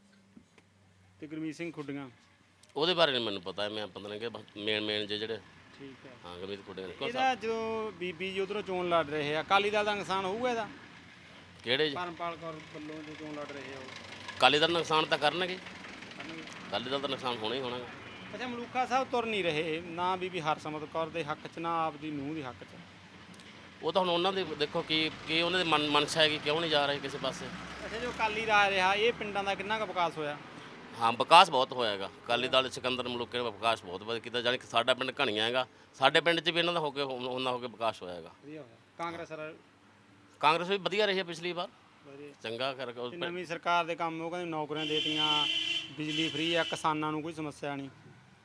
Speaker 4: ਤੇ ਗੁਰਮੀਤ ਸਿੰਘ ਖੁੱਡੀਆਂ
Speaker 7: ਉਹਦੇ ਬਾਰੇ ਨਹੀਂ ਮੈਨੂੰ ਪਤਾ। ਮੈਂ ਪਤਾ ਨਹੀਂ ਕਿ ਮੇਨ ਮੇਨ ਜੇ ਜਿਹੜੇ।
Speaker 4: ਠੀਕ ਹੈ।
Speaker 7: ਹਾਂ ਗਮੀਤ ਕੁੜੇ ਨੇ
Speaker 4: ਇਹਦਾ ਜਦੋਂ ਬੀਬੀ ਜੀ ਉਧਰੋਂ ਚੋਣ ਲੜ ਰਹੇ ਆ, ਅਕਾਲੀ ਦਲ ਦਾ ਨੁਕਸਾਨ ਹੋਊਗਾ ਇਹਦਾ?
Speaker 7: ਕਿਹੜੇ ਜੀ?
Speaker 4: ਪਰਮਪਾਲ ਕੌਰ ਵੱਲੋਂ ਜੋ ਚੋਣ ਲੜ ਰਹੇ ਆ ਉਹ
Speaker 7: ਅਕਾਲੀ ਦਲ ਨੁਕਸਾਨ ਤਾਂ ਕਰਨਗੇ।
Speaker 4: ਕਰਨਗੇ।
Speaker 7: ਅਕਾਲੀ ਦਲ ਦਾ ਨੁਕਸਾਨ ਹੋਣਾ ਹੀ ਹੋਣਾ ਗਾ।
Speaker 4: ਅੱਛਾ, ਮਲੂਕਾ ਸਾਹਿਬ ਤੁਰ ਨਹੀਂ ਰਹੇ ਨਾ ਬੀਬੀ ਹਰਸਿਮਰਤ ਕੌਰ ਦੇ ਹੱਕ 'ਚ ਨਾ ਆਪਦੀ ਨੂੰਹ ਦੇ ਹੱਕ 'ਚ।
Speaker 7: ਉਹ ਤਾਂ ਹੁਣ ਉਹਨਾਂ ਦੇ ਦੇਖੋ ਕੀ ਕੀ ਉਹਨਾਂ ਦੇ ਮਨ ਮਨਸ਼ਾ ਹੈਗੀ, ਕਿਉਂ ਨਹੀਂ ਜਾ ਰਹੇ ਕਿਸੇ ਪਾਸੇ।
Speaker 4: ਅੱਛਾ, ਜੋ ਅਕਾਲੀ ਰਾਜ ਰਿਹਾ ਇਹ ਪਿੰਡਾਂ ਦਾ ਕਿੰਨਾ ਕੁ ਵਿਕਾਸ ਹੋਇਆ?
Speaker 7: ਹਾਂ ਵਿਕਾਸ ਬਹੁਤ ਹੋਇਆ ਹੈਗਾ। ਅਕਾਲੀ ਦਲ ਸਿਕੰਦਰ ਮਲੂਕੇ ਨੇ ਵਿਕਾਸ ਬਹੁਤ ਵਧੀਆ ਕੀਤਾ। ਜਾਣੀ ਕਿ ਸਾਡਾ ਪਿੰਡ ਘਣੀਆਂ ਹੈਗਾ, ਸਾਡੇ ਪਿੰਡ 'ਚ ਵੀ ਇਹਨਾਂ ਦਾ ਹੋ ਕੇ ਉਹਨਾਂ ਹੋ ਕੇ ਵਿਕਾਸ ਹੋਇਆ ਹੈਗਾ।
Speaker 4: ਵਧੀਆ ਹੋਇਆ। ਕਾਂਗਰਸ ਰ-
Speaker 7: ਕਾਂਗਰਸ ਵੀ ਵਧੀਆ ਰਹੀ ਹੈ ਪਿਛਲੀ ਵਾਰ,
Speaker 4: ਵਧੀਆ।
Speaker 7: ਚੰਗਾ ਕਰ
Speaker 4: ਤੇ ਨਵੀਂ ਸਰਕਾਰ ਦੇ ਕੰਮ ਉਹ ਕਹਿੰਦੇ ਨੌਕਰੀਆਂ ਦੇਤੀਆਂ, ਬਿਜਲੀ ਫ੍ਰੀ ਆ, ਕਿਸਾਨਾਂ ਨੂੰ ਕੋਈ ਸਮੱਸਿਆ ਨਹੀਂ।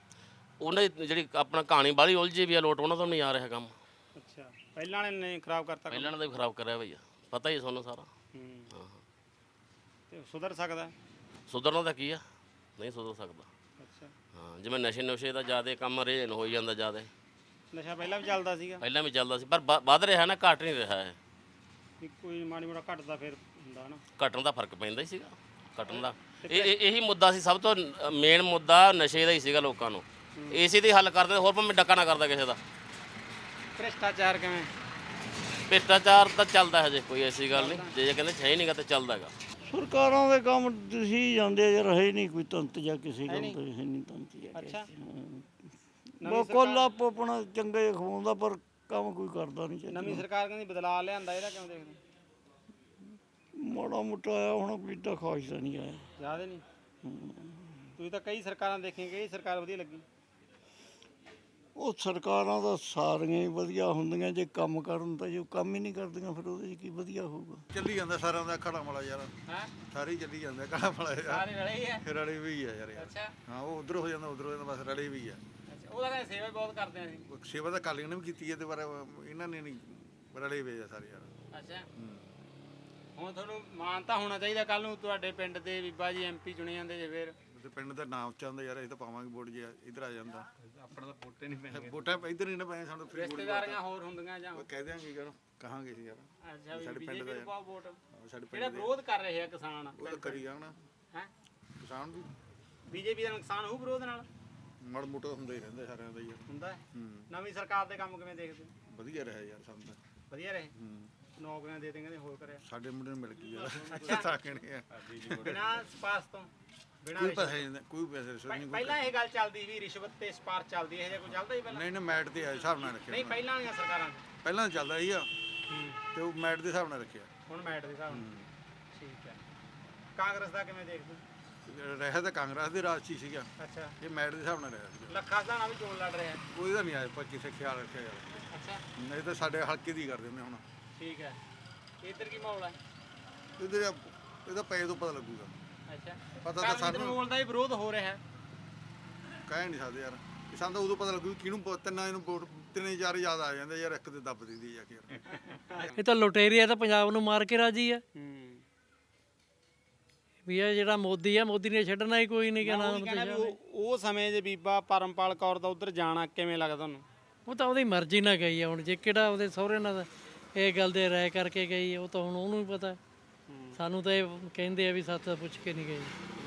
Speaker 7: ਉਹਨਾਂ ਦੀ ਜਿਹੜੀ ਆਪਣਾ ਕਹਾਣੀ ਬਾਹਲੀ ਉਲਝੀ ਵੀ ਆ ਲੋਟ ਉਹਨਾਂ ਤੋਂ ਨਹੀਂ ਆ ਰਿਹਾ ਕੰਮ।
Speaker 4: ਅੱਛਾ, ਪਹਿਲਾਂ ਵਾਲੇ ਨੇ ਖਰਾਬ ਕਰਤਾ ਕੰਮ।
Speaker 7: ਪਹਿਲਾਂ ਨੇ ਤਾਂ ਵੀ ਖਰਾਬ ਕਰਿਆ ਭਈਆ, ਪਤਾ ਹੀ ਤੁਹਾਨੂੰ ਸਾਰਾ।
Speaker 4: ਹੂੰ।
Speaker 7: ਹਾਂ
Speaker 4: ਤੇ ਸੁਧਰ ਸਕਦਾ?
Speaker 7: ਸੁਧਰਨਾ ਤਾਂ ਕੀ ਆ, ਨਹੀਂ ਸੁਧਰ ਸਕਦਾ।
Speaker 4: ਅੱਛਾ,
Speaker 7: ਹਾਂ ਜਿਵੇਂ ਨਸ਼ੇ ਨੁਸ਼ੇ ਦਾ ਜ਼ਿਆਦਾ ਕੰਮ ਰੇਨ ਹੋਈ ਜਾਂਦਾ ਜ਼ਿਆਦਾ।
Speaker 4: ਨਸ਼ਾ ਪਹਿਲਾਂ ਵੀ ਚੱਲਦਾ ਸੀਗਾ?
Speaker 7: ਪਹਿਲਾਂ ਵੀ ਚੱਲਦਾ ਸੀ ਪਰ ਵ- ਵੱਧ ਰਿਹਾ ਨਾ, ਘਟ ਨਹੀਂ ਰਿਹਾ ਹੈ।
Speaker 4: ਵੀ ਕੋਈ ਮਾੜੀ ਮੋਟਾ ਘਟਦਾ ਫਿਰ ਹੁੰਦਾ ਨਾ।
Speaker 7: ਘਟਣ ਦਾ ਫਰਕ ਪੈਂਦਾ ਹੀ ਸੀਗਾ, ਘਟਣ ਦਾ ਇਹ ਇਹ- ਇਹੀ ਮੁੱਦਾ ਸੀ ਸਭ ਤੋਂ ਮੇਨ ਮੁੱਦਾ, ਨਸ਼ੇ ਦਾ ਹੀ ਸੀਗਾ ਲੋਕਾਂ ਨੂੰ। ਇਸੇ ਦੇ ਹੱਲ ਕਰਦੇ, ਹੋਰ ਭਾਵੇਂ ਡੱਕਾ ਨਾ ਕਰਦਾ ਕਿਸੇ ਦਾ।
Speaker 4: ਭ੍ਰਿਸ਼ਟਾਚਾਰ ਕਿਵੇਂ?
Speaker 7: ਭ੍ਰਿਸ਼ਟਾਚਾਰ ਤਾਂ ਚੱਲਦਾ ਹਜੇ, ਕੋਈ ਐਸੀ ਗੱਲ ਨਹੀਂ। ਜੇ ਕਹਿੰਦੇ ਹੈ ਹੀ ਨਹੀਂਗਾ ਤਾਂ ਚੱਲਦਾ ਹੈਗਾ।
Speaker 8: ਸਰਕਾਰਾਂ ਦੇ ਕੰਮ ਤੁਸੀਂ ਜਾਂਦੇ ਆ ਯਾਰ, ਹੈ ਹੀ ਨਹੀਂ ਕੋਈ ਤੰਤ ਜਾਂ ਕਿਸੇ ਗੱਲ ਦਾ, ਹੈ ਨਹੀਂ ਤੰਤ ਜਾਂ
Speaker 4: ਅੱਛਾ।
Speaker 8: ਬਸ ਕੋਲ ਆਪ ਆਪਣਾ ਚੰਗੇ ਖਵਾਉਂਦਾ ਪਰ ਕੰਮ ਕੋਈ ਕਰਦਾ ਨਹੀਂ ਚਾਹੀਦਾ।
Speaker 4: ਨਵੀਂ ਸਰਕਾਰ ਕਹਿੰਦੀ ਬਦਲਾਅ ਲਿਆਂਦਾ, ਇਹਦਾ ਕਿਵੇਂ ਦੇਖਦੇ?
Speaker 8: ਮਾੜਾ ਮੋਟਾ ਆਇਆ ਹੁਣ, ਕੋਈ ਏਡਾ ਖਾਸ ਤਾਂ ਨਹੀਂ ਆਇਆ।
Speaker 4: ਜ਼ਿਆਦਾ ਨਹੀਂ? ਤੁਸੀਂ ਤਾਂ ਕਈ ਸਰਕਾਰਾਂ ਦੇਖੀਆਂ, ਕਿਹੜੀ ਸਰਕਾਰ ਵਧੀਆ ਲੱਗੀ?
Speaker 8: ਉਹ ਸਰਕਾਰਾਂ ਤਾਂ ਸਾਰੀਆਂ ਹੀ ਵਧੀਆ ਹੁੰਦੀਆਂ ਜੇ ਕੰਮ ਕਰਨ, ਤਾਂ ਜੋ ਕੰਮ ਹੀ ਨਹੀਂ ਕਰਦੀਆਂ ਫਿਰ ਉਹਦੇ 'ਚ ਕੀ ਵਧੀਆ ਹੋਊਗਾ।
Speaker 9: ਚੱਲੀ ਜਾਂਦਾ ਸਾਰਿਆਂ ਦਾ ਖੜਾ ਮਲਾ ਯਾਰ,
Speaker 4: ਹਾਂ,
Speaker 9: ਸਾਰੇ ਹੀ ਚੱਲੀ ਜਾਂਦੇ ਖੜਾ ਮਲਾ ਯਾਰ,
Speaker 4: ਸਾਰੇ ਰਲੇ ਹੀ ਹੈ।
Speaker 9: ਰਲੇ ਵੀ ਆ ਯਾਰ।
Speaker 4: ਅੱਛਾ
Speaker 9: ਹਾਂ ਉਹ ਉਧਰ ਹੋ ਜਾਂਦਾ, ਉਧਰ ਹੋ ਜਾਂਦਾ, ਬਸ ਰਲੇ ਵੀ ਆ।
Speaker 4: ਅੱਛਾ, ਉਹਦਾ ਕਹਿੰਦੇ ਸੇਵਾ ਬਹੁਤ ਕਰਦੇ ਆ ਅਸੀਂ।
Speaker 9: ਉਹ ਸੇਵਾ ਤਾਂ ਕਾਲੀਆਂ ਨੇ ਵੀ ਕੀਤੀ ਹੈ ਤੇ ਪਰ ਇਹਨਾਂ ਨੇ ਨਹੀਂ, ਰਲੇ ਵੇ ਆ ਸਾਰੇ ਯਾਰ।
Speaker 4: ਅੱਛਾ, ਹੁਣ ਤੁਹਾਨੂੰ ਮਾਣ ਤਾਂ ਹੋਣਾ ਚਾਹੀਦਾ, ਕੱਲ ਨੂੰ ਤੁਹਾਡੇ ਪਿੰਡ ਦੇ ਬੀਬਾ ਜੀ ਐਮਪੀ ਚੁਣੇ ਜਾਂਦੇ ਜੇ ਫਿਰ।
Speaker 9: ਤੇ ਪਿੰਡ ਦਾ ਨਾਮ ਉੱਚਾ ਹੁੰਦਾ ਯਾਰ, ਅਸੀਂ ਤਾਂ ਪਾਵਾਂਗੇ ਵੋਟ ਜੇ ਇੱਧਰ ਆ ਜਾਂਦਾ।
Speaker 4: ਆਪਣਾ ਤਾਂ ਵੋਟੇ ਨਹੀਂ ਪੈਣਗੇ।
Speaker 9: ਵੋਟਾਂ ਇੱਧਰ ਨਹੀਂ ਨਾ ਪਏ ਸਾਨੂੰ, ਫਰੀ ਵੋਟ
Speaker 4: ਰਿਸ਼ਤੇਦਾਰੀਆਂ ਹੋਰ ਹੁੰਦੀਆਂ ਜਾਂ?
Speaker 9: ਕਹਿ ਦਿਆਂਗੇ ਯਾਰ, ਕਹਾਂਗੇ ਸੀ ਯਾਰ।
Speaker 4: ਅੱਛਾ, ਵੀ
Speaker 9: ਸਾਡੇ ਪਿੰਡ
Speaker 4: ਬੀਜੇਪੀ
Speaker 9: ਦਾ
Speaker 4: ਨੂੰ ਪਾਓ ਵੋਟ।
Speaker 9: ਸਾਡੇ
Speaker 4: ਜਿਹੜਾ
Speaker 9: ਪਿੰਡ ਦੇ
Speaker 4: ਵਿਰੋਧ ਕਰ ਰਹੇ ਆ ਕਿਸਾਨ,
Speaker 9: ਉਹ ਤਾਂ ਕਰੀ ਜਾਣਾ
Speaker 4: ਹੈ
Speaker 9: ਕਿਸਾਨ ਵੀ,
Speaker 4: ਬੀਜੇਪੀ ਦਾ ਨੁਕਸਾਨ ਹੋਊ ਵਿਰੋਧ ਨਾਲ?
Speaker 9: ਮੜ ਮੋਟਾ ਹੁੰਦਾ ਹੀ ਰਹਿੰਦਾ ਸਾਰਿਆਂ ਦਾ ਯਾਰ।
Speaker 4: ਹੁੰਦਾ ਹੈ।
Speaker 9: ਹੂੰ
Speaker 4: ਨਵੀਂ ਸਰਕਾਰ ਦੇ ਕੰਮ ਕਿਵੇਂ ਦੇਖਦੇ ਹੋ?
Speaker 9: ਵਧੀਆ ਰਿਹਾ ਯਾਰ ਸਾਨੂੰ ਤਾਂ।
Speaker 4: ਵਧੀਆ ਰਹੇ?
Speaker 9: ਹੂੰ
Speaker 4: ਨੌਕਰੀਆਂ ਦੇ ਦੇ ਕਹਿੰਦੇ ਹੋਰ ਕਰਿਆ?
Speaker 9: ਸਾਡੇ ਮੁੰਡੇ ਨੂੰ ਮਿਲ ਗਈ ਯਾਰ,
Speaker 4: ਅੱਛਾ।
Speaker 9: ਤਾਂ ਕਹਿਣੇ ਆ।
Speaker 4: ਬਿਨਾਂ ਸਪਾਰਸ਼ ਤੋਂ? ਬਿਨਾਂ
Speaker 9: ਕੋਈ
Speaker 4: ਰਿਸ਼ਵਤ?
Speaker 9: ਪੈਸੇ ਨਹੀਂ, ਕੋਈ ਪੈਸੇ ਰਿਸ਼ਵਤ ਨਹੀਂ, ਕੋਈ
Speaker 4: ਪਹਿਲਾਂ ਇਹ ਗੱਲ ਚੱਲਦੀ ਵੀ ਰਿਸ਼ਵਤ ਤੇ ਸਪਾਰਸ਼ ਚੱਲਦੀ ਹੈ, ਇਹ ਜਿਹਾ ਕੋਈ ਚੱਲਦਾ ਹੀ ਪਹਿਲਾਂ?
Speaker 9: ਨਹੀਂ ਨਾ ਮੈਟ ਦੇ ਹਿਸਾਬ ਨਾਲ ਰੱਖਿਆ
Speaker 4: ਨਹੀਂ,
Speaker 9: ਉਹਨਾਂ ਨੇ।
Speaker 4: ਪਹਿਲਾਂ ਵਾਲੀਆਂ ਸਰਕਾਰਾਂ 'ਚ।
Speaker 9: ਪਹਿਲਾਂ ਚੱਲਦਾ ਸੀ ਆ ਤੇ ਉਹ ਮੈਟ ਦੇ ਹਿਸਾਬ ਨਾਲ ਰੱਖਿਆ।
Speaker 4: ਹੁਣ ਮੈਟ ਦੇ ਹਿਸਾਬ ਨਾਲ। ਠੀਕ ਹੈ। ਕਾਂਗਰਸ ਦਾ ਕਿਵੇਂ ਦੇਖਦੇ ਹੋ?
Speaker 9: ਰਿਹਾ ਤਾਂ ਕਾਂਗਰਸ ਦੇ ਰਾਜ 'ਚ ਹੀ ਸੀਗਾ,
Speaker 4: ਅੱਛਾ,
Speaker 9: ਇਹ ਮੈਟ ਦੇ ਹਿਸਾਬ ਨਾਲ ਰਿਹਾ ਸੀਗਾ।
Speaker 4: ਲੱਖਾ ਸਦਾਣਾ ਵੀ ਚੋਣ ਲੜ ਰਿਹਾ ਹੈ।
Speaker 9: ਉਹਦਾ ਨਹੀਂ ਆਇਆ, ਪਰ ਕਿਸੇ ਖਿਆਲ ਰੱਖਿਆ ਯਾਰ।
Speaker 4: ਅੱਛਾ,
Speaker 9: ਨਹੀਂ ਤਾਂ ਸਾਡੇ ਹਲਕੇ ਦੀ ਕਰ ਦਿੰਦੇ ਹੁਣ।
Speaker 4: ਠੀਕ ਹੈ। ਇੱਧਰ ਕੀ ਮਾਹੌਲ ਹੈ?
Speaker 9: ਇਹਦੇ ਇਹਦਾ ਪੈ ਤੋਂ ਪਤਾ ਲੱਗੂਗਾ।
Speaker 4: ਅੱਛਾ,
Speaker 9: ਪਤਾ ਤਾਂ ਸਾਨੂੰ
Speaker 4: ਮਾਹੌਲ ਦਾ ਹੀ ਵਿਰੋਧ ਹੋ ਰਿਹਾ ਹੈ।
Speaker 9: ਕਹਿ ਨਹੀਂ ਸਕਦੇ ਯਾਰ, ਇਹ ਸਾਨੂੰ ਤਾਂ ਉਦੋਂ ਪਤਾ ਲੱਗੂ ਕਿਹਨੂੰ ਪ- ਤਿੰਨਾਂ ਇਹਨੂੰ ਵੋਟ, ਤਿੰਨੇ ਚਾਰ ਯਾਦ ਆ ਜਾਂਦੇ ਯਾਰ, ਇੱਕ ਤੇ ਦੱਬ ਦਿੰਦੀ ਜਾ ਕੇ ਯਾਰ।
Speaker 6: ਇਹ ਤਾਂ ਲੁਟੇਰੇ ਆ, ਤਾਂ ਪੰਜਾਬ ਨੂੰ ਮਾਰ ਕੇ ਰਾਜੀ ਆ
Speaker 4: ਹੂੰ।
Speaker 6: ਵੀ ਇਹ ਜਿਹੜਾ ਮੋਦੀ ਆ, ਮੋਦੀ ਨੇ ਛੱਡਣਾ ਹੀ ਕੋਈ ਨਹੀਂ ਕਹਿਣਾ।
Speaker 4: ਉਹ ਕਹਿੰਦਾ ਵੀ ਉਹ ਉਹ ਸਮੇਂ ਜੇ ਬੀਬਾ ਪਰਮਪਾਲ ਕੌਰ ਦਾ ਉਧਰ ਜਾਣਾ ਕਿਵੇਂ ਲੱਗਦਾ ਤੁਹਾਨੂੰ?
Speaker 6: ਉਹ ਤਾਂ ਉਹਦੀ ਮਰਜ਼ੀ ਨਾਲ ਗਈ ਆ। ਹੁਣ ਜੇ ਕਿਹੜਾ ਉਹਦੇ ਸਹੁਰੇ ਨਾਲ ਇਹ ਗੱਲ ਦੇ ਰਾਏ ਕਰਕੇ ਗਈ ਆ, ਉਹ ਤਾਂ ਹੁਣ ਉਹਨੂੰ ਹੀ ਪਤਾ। ਸਾਨੂੰ ਤਾਂ ਇਹ ਕਹਿੰਦੇ ਆ ਵੀ ਸੱਤ ਪੁੱਛ ਕੇ ਨਹੀਂ ਗਏ।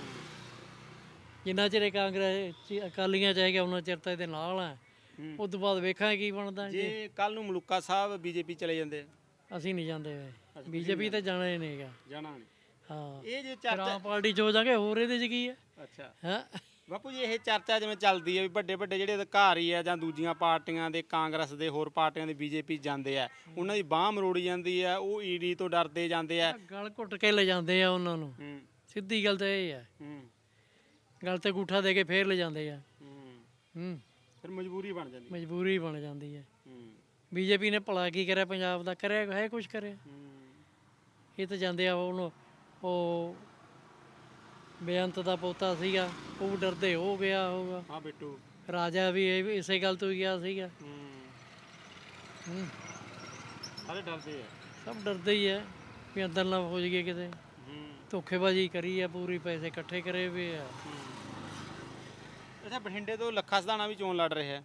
Speaker 6: ਜਿੰਨਾ ਚਿਰ ਇਹ ਕਾਂਗਰਸ ਚ- ਅਕਾਲੀਆਂ ਚ ਹੈਗਾ ਉਹਨਾਂ ਚਿਰ ਤਾਂ ਇਹਦੇ ਨਾਲ ਆ। ਉਸ ਤੋਂ ਬਾਅਦ ਵੇਖਾਂਗੇ ਕੀ ਬਣਦਾ। ਜੀ
Speaker 4: ਜੇ ਕੱਲ ਨੂੰ ਮਲੂਕਾ ਸਾਹਿਬ ਬੀਜੇਪੀ ਚਲੇ ਜਾਂਦੇ?
Speaker 6: ਅਸੀਂ ਨਹੀਂ ਜਾਂਦੇ ਵੇ, ਬੀਜੇਪੀ ਤਾਂ ਜਾਣਾ ਹੀ ਨਹੀਂਗਾ।
Speaker 4: ਜਾਣਾ ਨਹੀਂ?
Speaker 6: ਹਾਂ,
Speaker 4: ਇਹ ਜੇ
Speaker 6: ਫਿਰ
Speaker 4: ਚਰਚਾ,
Speaker 6: ਆਮ ਪਾਰਟੀ ਚ ਹੋ ਜਾਗੇ, ਹੋਰ ਇਹਦੇ ਚ ਕੀ ਆ?
Speaker 4: ਅੱਛਾ
Speaker 6: ਹਾਂ,
Speaker 4: ਬਾਪੂ ਜੀ, ਇਹ ਚਰਚਾ ਜਿਵੇਂ ਚੱਲਦੀ ਹੈ ਵੀ ਵੱਡੇ ਵੱਡੇ ਜਿਹੜੇ ਅਧਿਕਾਰੀ ਆ ਜਾਂ ਦੂਜੀਆਂ ਪਾਰਟੀਆਂ ਦੇ, ਕਾਂਗਰਸ ਦੇ, ਹੋਰ ਪਾਰਟੀਆਂ ਦੇ ਬੀਜੇਪੀ ਜਾਂਦੇ ਆ, ਉਹਨਾਂ ਦੀ ਬਾਹ ਮਰੋੜੀ ਜਾਂਦੀ ਆ, ਉਹ ਈਡੀ ਤੋਂ ਡਰਦੇ ਜਾਂਦੇ ਆ।
Speaker 6: ਗਲ ਘੁੱਟ ਕੇ ਲੈ ਜਾਂਦੇ ਆ ਉਹਨਾਂ ਨੂੰ।
Speaker 4: ਹੂੰ
Speaker 6: ਸਿੱਧੀ ਗੱਲ ਤਾਂ ਇਹ ਆ,
Speaker 4: ਹੂੰ
Speaker 6: ਗਲ ਤੇ ਗੂਠਾ ਦੇ ਕੇ ਫੇਰ ਲੈ ਜਾਂਦੇ ਆ।
Speaker 4: ਹੂੰ
Speaker 6: ਹੂੰ,
Speaker 4: ਫਿਰ ਮਜਬੂਰੀ ਬਣ ਜਾਂਦੀ।
Speaker 6: ਮਜਬੂਰੀ ਬਣ ਜਾਂਦੀ ਹੈ।
Speaker 4: ਹੂੰ
Speaker 6: ਬੀਜੇਪੀ ਨੇ ਭਲਾ ਕੀ ਕਰਿਆ ਪੰਜਾਬ ਦਾ? ਕਰਿਆ ਹੈ ਕੁਝ ਕਰਿਆ?
Speaker 4: ਹੂੰ
Speaker 6: ਇਹ ਤਾਂ ਜਾਂਦੇ ਆ ਉਹਨੂੰ, ਉਹ ਬੇਅੰਤ ਦਾ ਪੋਤਾ ਸੀਗਾ, ਉਹ ਡਰਦੇ ਹੋ ਗਿਆ ਹੋਗਾ।
Speaker 4: ਹਾਂ ਬਿੱਟੂ
Speaker 6: ਰਾਜਾ ਵੀ ਇਹ ਵੀ ਇਸੇ ਗੱਲ ਤੋਂ ਹੀ ਗਿਆ ਸੀਗਾ।
Speaker 4: ਹੂੰ
Speaker 6: ਹੂੰ,
Speaker 4: ਸਾਰੇ ਡਰਦੇ ਆ।
Speaker 6: ਸਭ ਡਰਦੇ ਹੀ ਆ ਵੀ ਅੰਦਰ ਨਾ ਹੋ ਜਾਈਏ ਕਿਤੇ।
Speaker 4: ਹੂੰ
Speaker 6: ਧੋਖੇਬਾਜ਼ੀ ਕਰੀ ਆ ਪੂਰੀ, ਪੈਸੇ ਇਕੱਠੇ ਕਰੇ ਵੇ ਆ।
Speaker 4: ਅੱਛਾ, ਬਠਿੰਡੇ ਤੋਂ ਲੱਖਾ ਸਦਾਣਾ ਵੀ ਚੋਣ ਲੜ ਰਿਹਾ ਹੈ?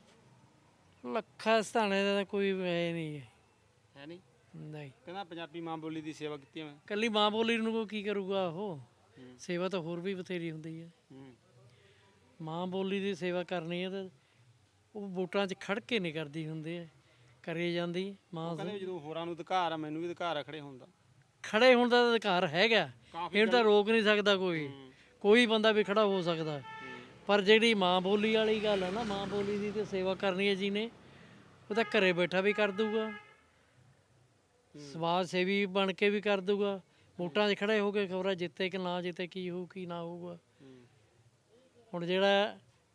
Speaker 6: ਲੱਖਾ ਸਥਾਣੇ ਦਾ ਤਾਂ ਕੋਈ ਹੈ ਨਹੀਂ ਹੈ।
Speaker 4: ਹੈ ਨਹੀਂ?
Speaker 6: ਨਹੀਂ,
Speaker 4: ਕਹਿੰਦਾ ਪੰਜਾਬੀ ਮਾਂ ਬੋਲੀ ਦੀ ਸੇਵਾ ਕੀਤੀ ਮੈਂ।
Speaker 6: ਕੱਲੀ ਮਾਂ ਬੋਲੀ ਨੂੰ ਕੋਈ ਕੀ ਕਰੂਗਾ? ਉਹ ਸੇਵਾ ਤਾਂ ਹੋਰ ਵੀ ਬਥੇਰੀ ਹੁੰਦੀ ਹੈ।
Speaker 4: ਹੂੰ
Speaker 6: ਮਾਂ ਬੋਲੀ ਦੀ ਸੇਵਾ ਕਰਨੀ ਹੈ ਤਾਂ ਉਹ ਵੋਟਾਂ 'ਚ ਖੜ ਕੇ ਨਹੀਂ ਕਰਦੀ ਹੁੰਦੀ ਹੈ, ਕਰੀ ਜਾਂਦੀ ਮਾਂ।
Speaker 4: ਕਹਿੰਦੇ ਜਦੋਂ ਹੋਰਾਂ ਨੂੰ ਅਧਿਕਾਰ ਆ, ਮੈਨੂੰ ਵੀ ਅਧਿਕਾਰ ਆ ਖੜੇ ਹੋਣ ਦਾ।
Speaker 6: ਖੜੇ ਹੋਣ ਦਾ ਤਾਂ ਅਧਿਕਾਰ ਹੈਗਾ, ਇਹਨੂੰ ਤਾਂ ਰੋਕ ਨਹੀਂ ਸਕਦਾ ਕੋਈ। ਕੋਈ ਬੰਦਾ ਵੀ ਖੜਾ ਹੋ ਸਕਦਾ। ਪਰ ਜਿਹੜੀ ਮਾਂ ਬੋਲੀ ਵਾਲੀ ਗੱਲ ਹੈ ਨਾ, ਮਾਂ ਬੋਲੀ ਦੀ ਤੇ ਸੇਵਾ ਕਰਨੀ ਹੈ ਜਿਹਨੇ, ਉਹ ਤਾਂ ਘਰੇ ਬੈਠਾ ਵੀ ਕਰ ਦੂਗਾ, ਸਮਾਜ ਸੇਵੀ ਬਣ ਕੇ ਵੀ ਕਰ ਦੂਗਾ, ਵੋਟਾਂ 'ਚ ਖੜੇ ਹੋ ਕੇ ਖਬਰਾਂ ਜਿੱਤੇ ਕਿ ਨਾ ਜਿੱਤੇ, ਕੀ ਹੋਊ ਕੀ ਨਾ ਹੋਊਗਾ। ਹੁਣ ਜਿਹੜਾ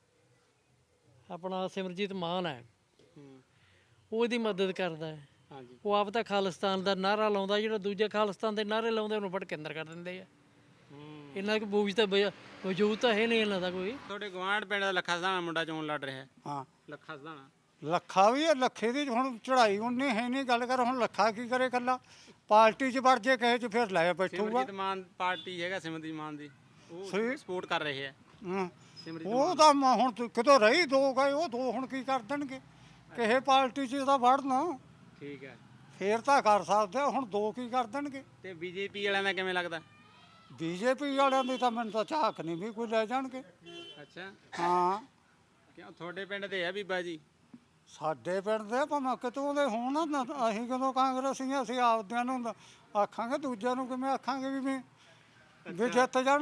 Speaker 6: ਆਪਣਾ ਸਿਮਰਜੀਤ ਮਾਨ ਹੈ, ਉਹ ਇਹਦੀ ਮਦਦ ਕਰਦਾ ਹੈ।
Speaker 4: ਹਾਂਜੀ।
Speaker 6: ਉਹ ਆਪ ਤਾਂ ਖਾਲਿਸਤਾਨ ਦਾ ਨਾਅਰਾ ਲਾਉਂਦਾ, ਜਿਹੜਾ ਦੂਜੇ ਖਾਲਿਸਤਾਨ ਦੇ ਨਾਅਰੇ ਲਾਉਂਦੇ ਉਹਨੂੰ ਫੜ ਕੇ ਅੰਦਰ ਕਰ ਦਿੰਦੇ ਆ। ਇਹਨਾਂ ਕੋਲ ਬੂਝ ਤਾਂ ਵਜ- ਵਜੂਦ ਤਾਂ ਹੈ ਨਹੀਂ ਇਹਨਾਂ ਦਾ ਕੋਈ।
Speaker 4: ਤੁਹਾਡੇ ਗਵਾਂਢ ਪਿੰਡ ਦਾ ਲੱਖਾ ਸਧਾਣਾ ਮੁੰਡਾ ਚੋਣ ਲੜ ਰਿਹਾ ਹੈ।
Speaker 2: ਹਾਂ
Speaker 4: ਲੱਖਾ ਸਧਾਣਾ
Speaker 2: ਲੱਖਾ ਵੀ ਹੈ, ਲੱਖੇ ਦੀ ਹੁਣ ਚੜਾਈ ਉਨੀ ਹੈ ਨਹੀਂ, ਗੱਲ ਕਰ ਹੁਣ ਲੱਖਾ ਕੀ ਕਰੇ ਇਕੱਲਾ, ਪਾਰਟੀ 'ਚ ਵੜ ਜੇ ਕਹੇ 'ਚ ਫਿਰ ਲੈ ਬੈਠੂਗਾ।
Speaker 4: ਸਿਮਰਜੀਤ ਮਾਨ ਪਾਰਟੀ ਹੈਗਾ, ਸਿਮਰਜੀਤ ਮਾਨ ਦੀ, ਉਹ
Speaker 2: ਸਹੀ।
Speaker 4: ਸਪੋਰਟ ਕਰ ਰਹੇ ਹੈ।
Speaker 2: ਹਾਂ
Speaker 4: ਸਿਮਰਜੀਤ
Speaker 2: ਉਹ ਤਾਂ ਮ- ਹੁਣ ਤੂੰ ਕਿਤੋਂ ਰਹੀ ਦੋ ਗਏ, ਉਹ ਦੋ ਹੁਣ ਕੀ ਕਰ ਦੇਣਗੇ, ਕਿਸੇ ਪਾਰਟੀ 'ਚ ਤਾਂ ਵੜਨਾ
Speaker 4: ਠੀਕ ਹੈ।
Speaker 2: ਫੇਰ ਤਾਂ ਕਰ ਸਕਦੇ ਆ, ਹੁਣ ਦੋ ਕੀ ਕਰ ਦੇਣਗੇ।
Speaker 4: ਤੇ ਬੀਜੇਪੀ ਵਾਲਿਆਂ ਦਾ ਕਿਵੇਂ ਲੱਗਦਾ?
Speaker 2: ਬੀਜੇਪੀ ਵਾਲਿਆਂ ਦੀ ਤਾਂ ਮੈਨੂੰ ਤਾਂ ਝਾਕ ਨਹੀਂ ਵੀ ਕੋਈ ਲੈ ਜਾਣਗੇ।
Speaker 4: ਅੱਛਾ,
Speaker 2: ਹਾਂ
Speaker 4: ਕਿਉਂ ਤੁਹਾਡੇ ਪਿੰਡ ਦੇ ਆ ਬੀਬਾ ਜੀ?
Speaker 2: ਸਾਡੇ ਪਿੰਡ ਦੇ ਭਾਵੇਂ ਕਿਤੋਂ ਦੇ ਹੋਣ ਨਾ, ਅਸੀਂ ਕਦੋਂ ਕਾਂਗਰਸੀ ਆ, ਅਸੀਂ ਆਪਦਿਆਂ ਨੂੰ ਦ- ਆਖਾਂਗੇ, ਦੂਜਿਆਂ ਨੂੰ ਕਿਵੇਂ ਆਖਾਂਗੇ ਵੀ ਵੀ ਵੀ ਜਿੱਤ ਜਾਣ।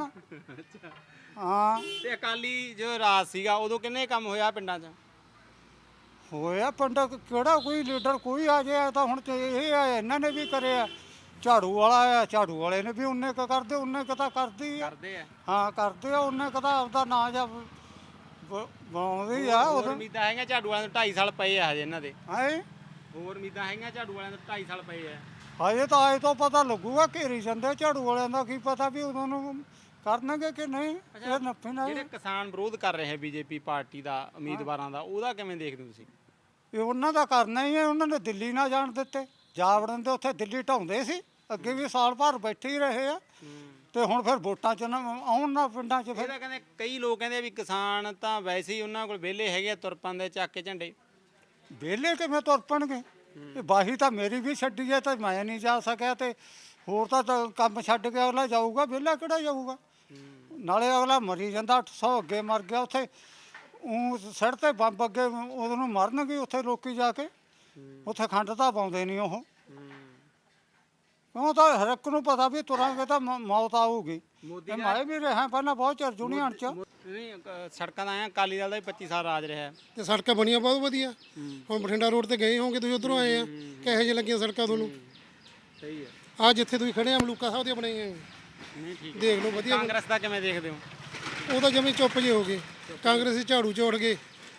Speaker 2: ਹਾਂ
Speaker 4: ਤੇ ਅਕਾਲੀ ਜੋ ਰਾਜ ਸੀਗਾ ਉਦੋਂ ਕਿੰਨੇ ਕੰਮ ਹੋਇਆ ਪਿੰਡਾਂ 'ਚ?
Speaker 2: ਹੋਇਆ ਪਿੰਡ ਕਿਹੜਾ ਕੋਈ ਲੀਡਰ ਕੋਈ ਆ ਜਾਏ ਤਾਂ ਹੁਣ ਤੇ ਇਹ ਆ, ਇਹਨਾਂ ਨੇ ਵੀ ਕਰਿਆ, ਝਾੜੂ ਵਾਲਾ ਆ, ਝਾੜੂ ਵਾਲੇ ਨੇ ਵੀ ਉਹਨੇ ਕ ਕਰਦੇ, ਉਹਨੇ ਕ ਤਾਂ ਕਰਦੀ ਆ।
Speaker 4: ਕਰਦੇ ਆ।
Speaker 2: ਹਾਂ ਕਰਦੇ ਆ, ਉਹਨੇ ਕ ਤਾਂ ਆਪਦਾ ਨਾਂ ਜਾਂ ਬਣਾਉਂਦੀ ਆ
Speaker 4: ਹੋਰ
Speaker 2: ਉਹ
Speaker 4: ਉਮੀਦਾਂ ਹੈਗੀਆਂ ਝਾੜੂ ਵਾਲਿਆਂ ਨੂੰ, ਢਾਈ ਸਾਲ ਪਏ ਆ ਹਜੇ ਇਹਨਾਂ ਦੇ।
Speaker 2: ਹੈ।
Speaker 4: ਹੋਰ ਉਮੀਦਾਂ ਹੈਗੀਆਂ ਝਾੜੂ ਵਾਲਿਆਂ ਨੂੰ, ਢਾਈ ਸਾਲ ਪਏ ਆ।
Speaker 2: ਹਜੇ ਤਾਂ ਆਏ ਤੋਂ ਪਤਾ ਲੱਗੂਗਾ, ਘੇਰੀ ਜਾਂਦੇ ਝਾੜੂ ਵਾਲਿਆਂ ਦਾ, ਕੀ ਪਤਾ ਵੀ ਉਦੋਂ ਨੂੰ ਕਰਨਗੇ ਕਿ ਨਹੀਂ, ਇਹ ਨੱਫੇ ਨਾਲ।
Speaker 4: ਜਿਹੜੇ ਕਿਸਾਨ ਵਿਰੋਧ ਕਰ ਰਹੇ ਹੈ ਬੀਜੇਪੀ ਪਾਰਟੀ ਦਾ, ਉਮੀਦਵਾਰਾਂ ਦਾ, ਉਹਦਾ ਕਿਵੇਂ ਦੇਖਦੇ ਹੋ ਤੁਸੀਂ?
Speaker 2: ਇਹ ਉਹਨਾਂ ਦਾ ਕਰਨਾ ਹੀ ਹੈ, ਉਹਨਾਂ ਨੇ ਦਿੱਲੀ ਨਾ ਜਾਣ ਦਿੱਤੇ, ਜਾ ਵੜਨ ਦੇ, ਉੱਥੇ ਦਿੱਲੀ ਢਾਉਂਦੇ ਸੀ, ਅੱਗੇ ਵੀ ਸਾਲ ਭਰ ਬੈਠੇ ਹੀ ਰਹੇ ਆ, ਤੇ ਹੁਣ ਫਿਰ ਵੋਟਾਂ 'ਚ ਨਾ ਆਉਣ ਨਾ ਪਿੰਡਾਂ 'ਚ ਫਿਰ।
Speaker 4: ਇਹਦਾ ਕਹਿੰਦੇ ਕਈ ਲੋਕ ਕਹਿੰਦੇ ਆ ਵੀ ਕਿਸਾਨ ਤਾਂ ਵੈਸੇ ਹੀ ਉਹਨਾਂ ਕੋਲ ਵਿਹਲੇ ਹੈਗੇ ਆ, ਤੁਰ ਪੰਦੇ ਚੱਕ ਕੇ ਝੰਡੇ।
Speaker 2: ਵਿਹਲੇ ਕਿਵੇਂ ਤੁਰ ਪਣਗੇ? ਇਹ ਬਾਹੀ ਤਾਂ ਮੇਰੀ ਵੀ ਛੱਡੀ ਹੈ, ਤੇ ਮੈਂ ਨਹੀਂ ਜਾ ਸਕਿਆ, ਤੇ ਹੋਰ ਤਾਂ ਤਾਂ ਕੰਮ ਛੱਡ ਕੇ ਅਗਲਾ ਜਾਊਗਾ, ਵਿਹਲਾ ਕਿਹੜਾ ਜਾਊਗਾ? ਨਾਲੇ ਅਗਲਾ ਮਰੀ ਜਾਂਦਾ, ਅੱਠ ਸੌ ਅੱਗੇ ਮਰ ਗਿਆ ਉੱਥੇ, ਉਹ ਸਿਰ ਤੇ ਬੰਬ ਅੱਗੇ ਉਹਨੂੰ ਨੂੰ ਮਰਨਗੇ ਉੱਥੇ ਲੋਕੀ ਜਾ ਕੇ, ਉੱਥੇ ਖੰਡ ਤਾਂ ਪਾਉਂਦੇ ਨਹੀਂ ਉਹ। ਉਹ ਤਾਂ ਹਰ ਇੱਕ ਨੂੰ ਪਤਾ ਵੀ ਤੁਰਾਂਗੇ ਤਾਂ ਮ- ਮੌਤ ਆਊਗੀ। ਤੇ ਮੈਂ ਵੀ ਰਿਹਾ ਪਹਿਲਾਂ ਬਹੁਤ ਚਿਰ ਜੁਨੀਅਰ 'ਚ।
Speaker 4: ਨਹੀਂ ਅ, ਸੜਕਾਂ ਦਾ ਆਇਆ, ਅਕਾਲੀ ਦਲ ਦਾ ਵੀ ਪੱਚੀ ਸਾਲ ਰਾਜ ਰਿਹਾ ਹੈ।
Speaker 5: ਤੇ ਸੜਕਾਂ ਬਣੀਆਂ ਬਹੁਤ ਵਧੀਆ। ਹੁਣ ਬਠਿੰਡਾ ਰੋਡ ਤੇ ਗਏ ਹੋਗੇ ਤੁਸੀਂ, ਉਧਰੋਂ ਆਏ ਆ, ਕਿਹੋ ਜਿਹੇ ਲੱਗੀਆਂ ਸੜਕਾਂ ਤੁਹਾਨੂੰ?
Speaker 4: ਸਹੀ ਹੈ।
Speaker 5: ਆ ਜਿੱਥੇ ਤੁਸੀਂ ਖੜੇ ਆ ਮਲੂਕਾ ਸਾਹਿਬ ਦੀਆਂ ਬਣਾਈਆਂ,
Speaker 4: ਨਹੀਂ ਠੀਕ ਹੈ।
Speaker 5: ਦੇਖ ਲਓ ਵਧੀਆ।
Speaker 4: ਕਾਂਗਰਸ ਦਾ ਕਿਵੇਂ ਦੇਖਦੇ ਹੋ?
Speaker 5: ਉਹ ਤਾਂ ਜਮੀ ਚੁੱਪ ਜੇ ਹੋ ਗਏ, ਕਾਂਗਰਸੀ ਝਾੜੂ ਚੋੜ ਗਏ,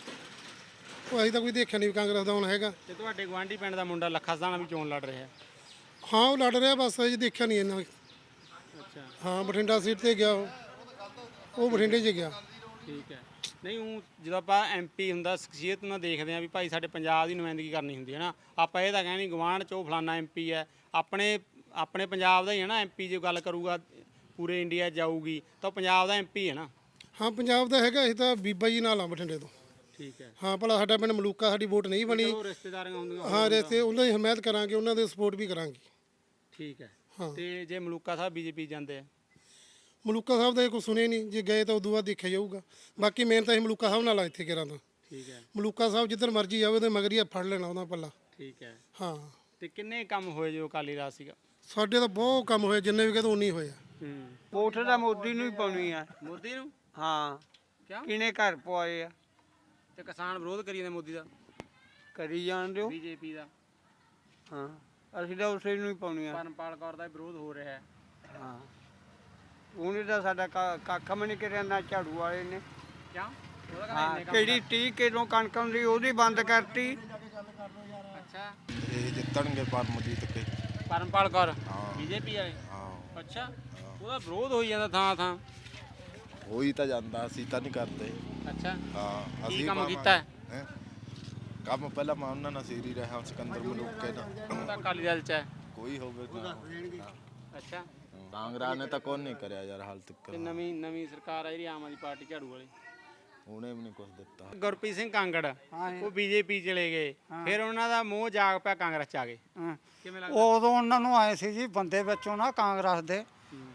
Speaker 5: ਉਹ ਅਸੀਂ ਤਾਂ ਕੋਈ ਦੇਖਿਆ ਨਹੀਂ ਵੀ ਕਾਂਗਰਸ ਦਾ ਹੁਣ ਹੈਗਾ।
Speaker 4: ਤੇ ਤੁਹਾਡੇ ਗਵਾਂਢੀ ਪਿੰਡ ਦਾ ਮੁੰਡਾ ਲੱਖਾ ਸਧਾਣਾ ਵੀ ਚੋਣ ਲੜ ਰਿਹਾ ਹੈ।
Speaker 5: ਹਾਂ ਉਹ ਲੜ ਰਿਹਾ, ਬਸ ਅਜੇ ਦੇਖਿਆ ਨਹੀਂ ਇਹਨਾਂ।
Speaker 4: ਅੱਛਾ
Speaker 5: ਹਾਂ ਬਠਿੰਡਾ ਸੀਟ ਤੇ ਗਿਆ ਉਹ, ਉਹ ਬਠਿੰਡੇ 'ਚ ਗਿਆ।
Speaker 4: ਠੀਕ ਹੈ। ਨਹੀਂ ਉਹ ਜਦੋਂ ਆਪਾਂ ਐਮਪੀ ਹੁੰਦਾ, ਸ਼ਖਸੀਅਤ ਨੂੰ ਦੇਖਦੇ ਆ ਵੀ ਭਾਈ ਸਾਡੇ ਪੰਜਾਬ ਦੀ ਨੁਮਾਇੰਦਗੀ ਕਰਨੀ ਹੁੰਦੀ ਹੈ ਨਾ, ਆਪਾਂ ਇਹ ਤਾਂ ਕਹਿੰਦੇ ਗਵਾਂਢ 'ਚ ਉਹ ਫਲਾਨਾ ਐਮਪੀ ਹੈ, ਆਪਣੇ ਆਪਣੇ ਪੰਜਾਬ ਦਾ ਹੀ ਹੈ ਨਾ ਐਮਪੀ। ਜੇ ਗੱਲ ਕਰੂਗਾ ਪੂਰੇ ਇੰਡੀਆ ਜਾਊਗੀ ਤਾਂ ਉਹ ਪੰਜਾਬ ਦਾ ਐਮਪੀ ਹੈ ਨਾ।
Speaker 5: ਹਾਂ ਪੰਜਾਬ ਦਾ ਹੈਗਾ, ਇਹ ਤਾਂ ਬੀਬਾ ਜੀ ਨਾਲ ਆ ਬਠਿੰਡੇ ਤੋਂ।
Speaker 4: ਠੀਕ ਹੈ।
Speaker 5: ਹਾਂ ਭਲਾ ਸਾਡਾ ਪਿੰਡ ਮਲੂਕਾ, ਸਾਡੀ ਵੋਟ ਨਹੀਂ ਬਣੀ।
Speaker 4: ਉਹ ਰਿਸ਼ਤੇਦਾਰੀਆਂ ਹੁੰਦੀਆਂ।
Speaker 5: ਹਾਂ ਰਿਸ਼ਤੇ ਉਹਨਾਂ ਦੀ ਹਮਾਇਤ ਕਰਾਂਗੇ, ਉਹਨਾਂ ਦੇ ਸਪੋਰਟ ਵੀ ਕਰਾਂਗੇ।
Speaker 4: ਠੀਕ ਹੈ।
Speaker 5: ਹਾਂ।
Speaker 4: ਤੇ ਜੇ ਮਲੂਕਾ ਸਾਹਿਬ ਬੀਜੇਪੀ ਜਾਂਦੇ ਆ?
Speaker 5: ਮਲੂਕਾ ਸਾਹਿਬ ਦਾ ਇਹ ਕੋਈ ਸੁਣੇ ਨਹੀਂ, ਜੇ ਗਏ ਤਾਂ ਉਦੋਂ ਬਾਅਦ ਦੇਖਿਆ ਜਾਊਗਾ। ਬਾਕੀ ਮੇਨ ਤਾਂ ਅਸੀਂ ਮਲੂਕਾ ਸਾਹਿਬ ਨਾਲ ਆ ਇੱਥੇ ਕਿਰਾਂ ਤਾਂ।
Speaker 4: ਠੀਕ ਹੈ।
Speaker 5: ਮਲੂਕਾ ਸਾਹਿਬ ਜਿੱਧਰ ਮਰਜ਼ੀ ਜਾਵੇ ਉਹਦੇ ਮਗਰ ਹੀ ਫੜ ਲੈਣਾ ਉਹਦਾ ਪੱਲਾ।
Speaker 4: ਠੀਕ ਹੈ।
Speaker 5: ਹਾਂ
Speaker 4: ਤੇ ਕਿੰਨੇ ਕੰਮ ਹੋਏ ਜੋ ਅਕਾਲੀ ਰਾਜ ਸੀਗਾ?
Speaker 5: ਸਾਡੇ ਤਾਂ ਬਹੁਤ ਕੰਮ ਹੋਏ, ਜਿੰਨੇ ਵੀ ਕਹਦੇ ਉਨੀ ਹੋਇਆ।
Speaker 4: ਹੂੰ।
Speaker 10: ਵੋਟ ਤਾਂ ਮੋਦੀ ਨੂੰ ਹੀ ਪਾਉਣੀ ਆ।
Speaker 4: ਮੋਦੀ ਨੂੰ?
Speaker 10: ਹਾਂ
Speaker 4: ਕਿਉਂ?
Speaker 10: ਕਿਹਨੇ ਘਰ ਪਵਾਏ ਆ?
Speaker 4: ਤੇ ਕਿਸਾਨ ਵਿਰੋਧ ਕਰੀ ਜਾਂਦੇ ਮੋਦੀ ਦਾ,
Speaker 10: ਕਰੀ ਜਾਣ ਦਿਓ।
Speaker 4: ਬੀਜੇਪੀ ਦਾ।
Speaker 10: ਹਾਂ ਅਸੀਂ ਤਾਂ ਉਸੇ ਨੂੰ ਹੀ ਪਾਉਣੀ ਆ।
Speaker 4: ਪਰਮਪਾਲ ਕੌਰ ਦਾ ਵਿਰੋਧ ਹੋ ਰਿਹਾ ਹੈ।
Speaker 10: ਹਾਂ ਉਹਨੇ ਤਾਂ ਸਾਡਾ ਕਾ- ਕੱਖ ਵੀ ਨਹੀਂ ਕਰਿਆ, ਨਾ ਝਾੜੂ ਵਾਲੇ ਨੇ।
Speaker 4: ਕਿਉਂ? ਉਹਦਾ ਕਹਿੰਦਾ
Speaker 10: ਹਾਂ
Speaker 4: ਇੰਨੇ ਕੰਮ
Speaker 10: ਕਿਹੜੀ ਤੀਹ ਕਿਲੋ ਕਣਕ ਹੁੰਦੀ ਉਹਦੀ ਬੰਦ ਕਰਤੀ।
Speaker 4: ਅੱਛਾ।
Speaker 11: ਇਹ ਜਿੱਤਣਗੇ ਪਰਮਜੀਤ ਕੇ।
Speaker 4: ਪਰਮਪਾਲ ਕੌਰ
Speaker 11: ਹਾਂ।
Speaker 4: ਬੀਜੇਪੀ ਵਾਲੇ?
Speaker 11: ਹਾਂ
Speaker 4: ਅੱਛਾ। ਉਹਦਾ ਵਿਰੋਧ ਹੋਈ ਜਾਂਦਾ ਥਾਂ ਥਾਂ।
Speaker 11: ਹੋਈ ਤਾਂ ਜਾਂਦਾ, ਅਸੀਂ ਤਾਂ ਨਹੀਂ ਕਰਦੇ।
Speaker 4: ਅੱਛਾ।
Speaker 11: ਹਾਂ
Speaker 4: ਕੀ
Speaker 11: ਅਸੀਂ
Speaker 4: ਕੰਮ
Speaker 11: ਭਾਵੇਂ-
Speaker 4: ਕੀਤਾ ਹੈ?
Speaker 11: ਹੈਂ? ਕੰਮ ਪਹਿਲਾਂ ਮੈਂ ਉਹਨਾਂ ਨਾਲ ਸੀਰੀ ਰਿਹਾ, ਸਿਕੰਦਰ ਮਲੂਕੇ ਨਾਲ।
Speaker 4: ਉਹ ਤਾਂ ਅਕਾਲੀ ਦਲ ਚ ਹੈ।
Speaker 11: ਕੋਈ ਹੋਵੇ ਨਾ।
Speaker 4: ਅੱਛਾ।
Speaker 11: ਕਾਂਗਰਸ ਨੇ ਤਾਂ ਕੋਈ ਨਹੀਂ ਕਰਿਆ ਯਾਰ ਹਾਲ ਤੱਕ।
Speaker 4: ਤੇ ਨਵੀਂ ਨਵੀਂ ਸਰਕਾਰ ਆ ਜਿਹੜੀ ਆਮ ਆਦਮੀ ਪਾਰਟੀ ਝਾੜੂ ਵਾਲੀ,
Speaker 11: ਉਹਨੇ ਵੀ ਨਹੀਂ ਕੁਝ ਦਿੱਤਾ।
Speaker 4: ਗੁਰਪ੍ਰੀਤ ਸਿੰਘ ਕਾਂਗੜ ਉਹ ਬੀਜੇਪੀ ਚਲੇ ਗਏ, ਫਿਰ ਉਹਨਾਂ ਦਾ ਮੋਹ ਜਾਗ ਪਿਆ, ਕਾਂਗਰਸ ਚ ਆ ਗਏ।
Speaker 2: ਹਾਂ।
Speaker 4: ਕਿਵੇਂ ਲੱਗਦਾ?
Speaker 2: ਉਦੋਂ ਉਹਨਾਂ ਨੂੰ ਆਏ ਸੀ ਜੀ ਬੰਦੇ ਵਿੱਚੋਂ ਨਾ ਕਾਂਗਰਸ ਦੇ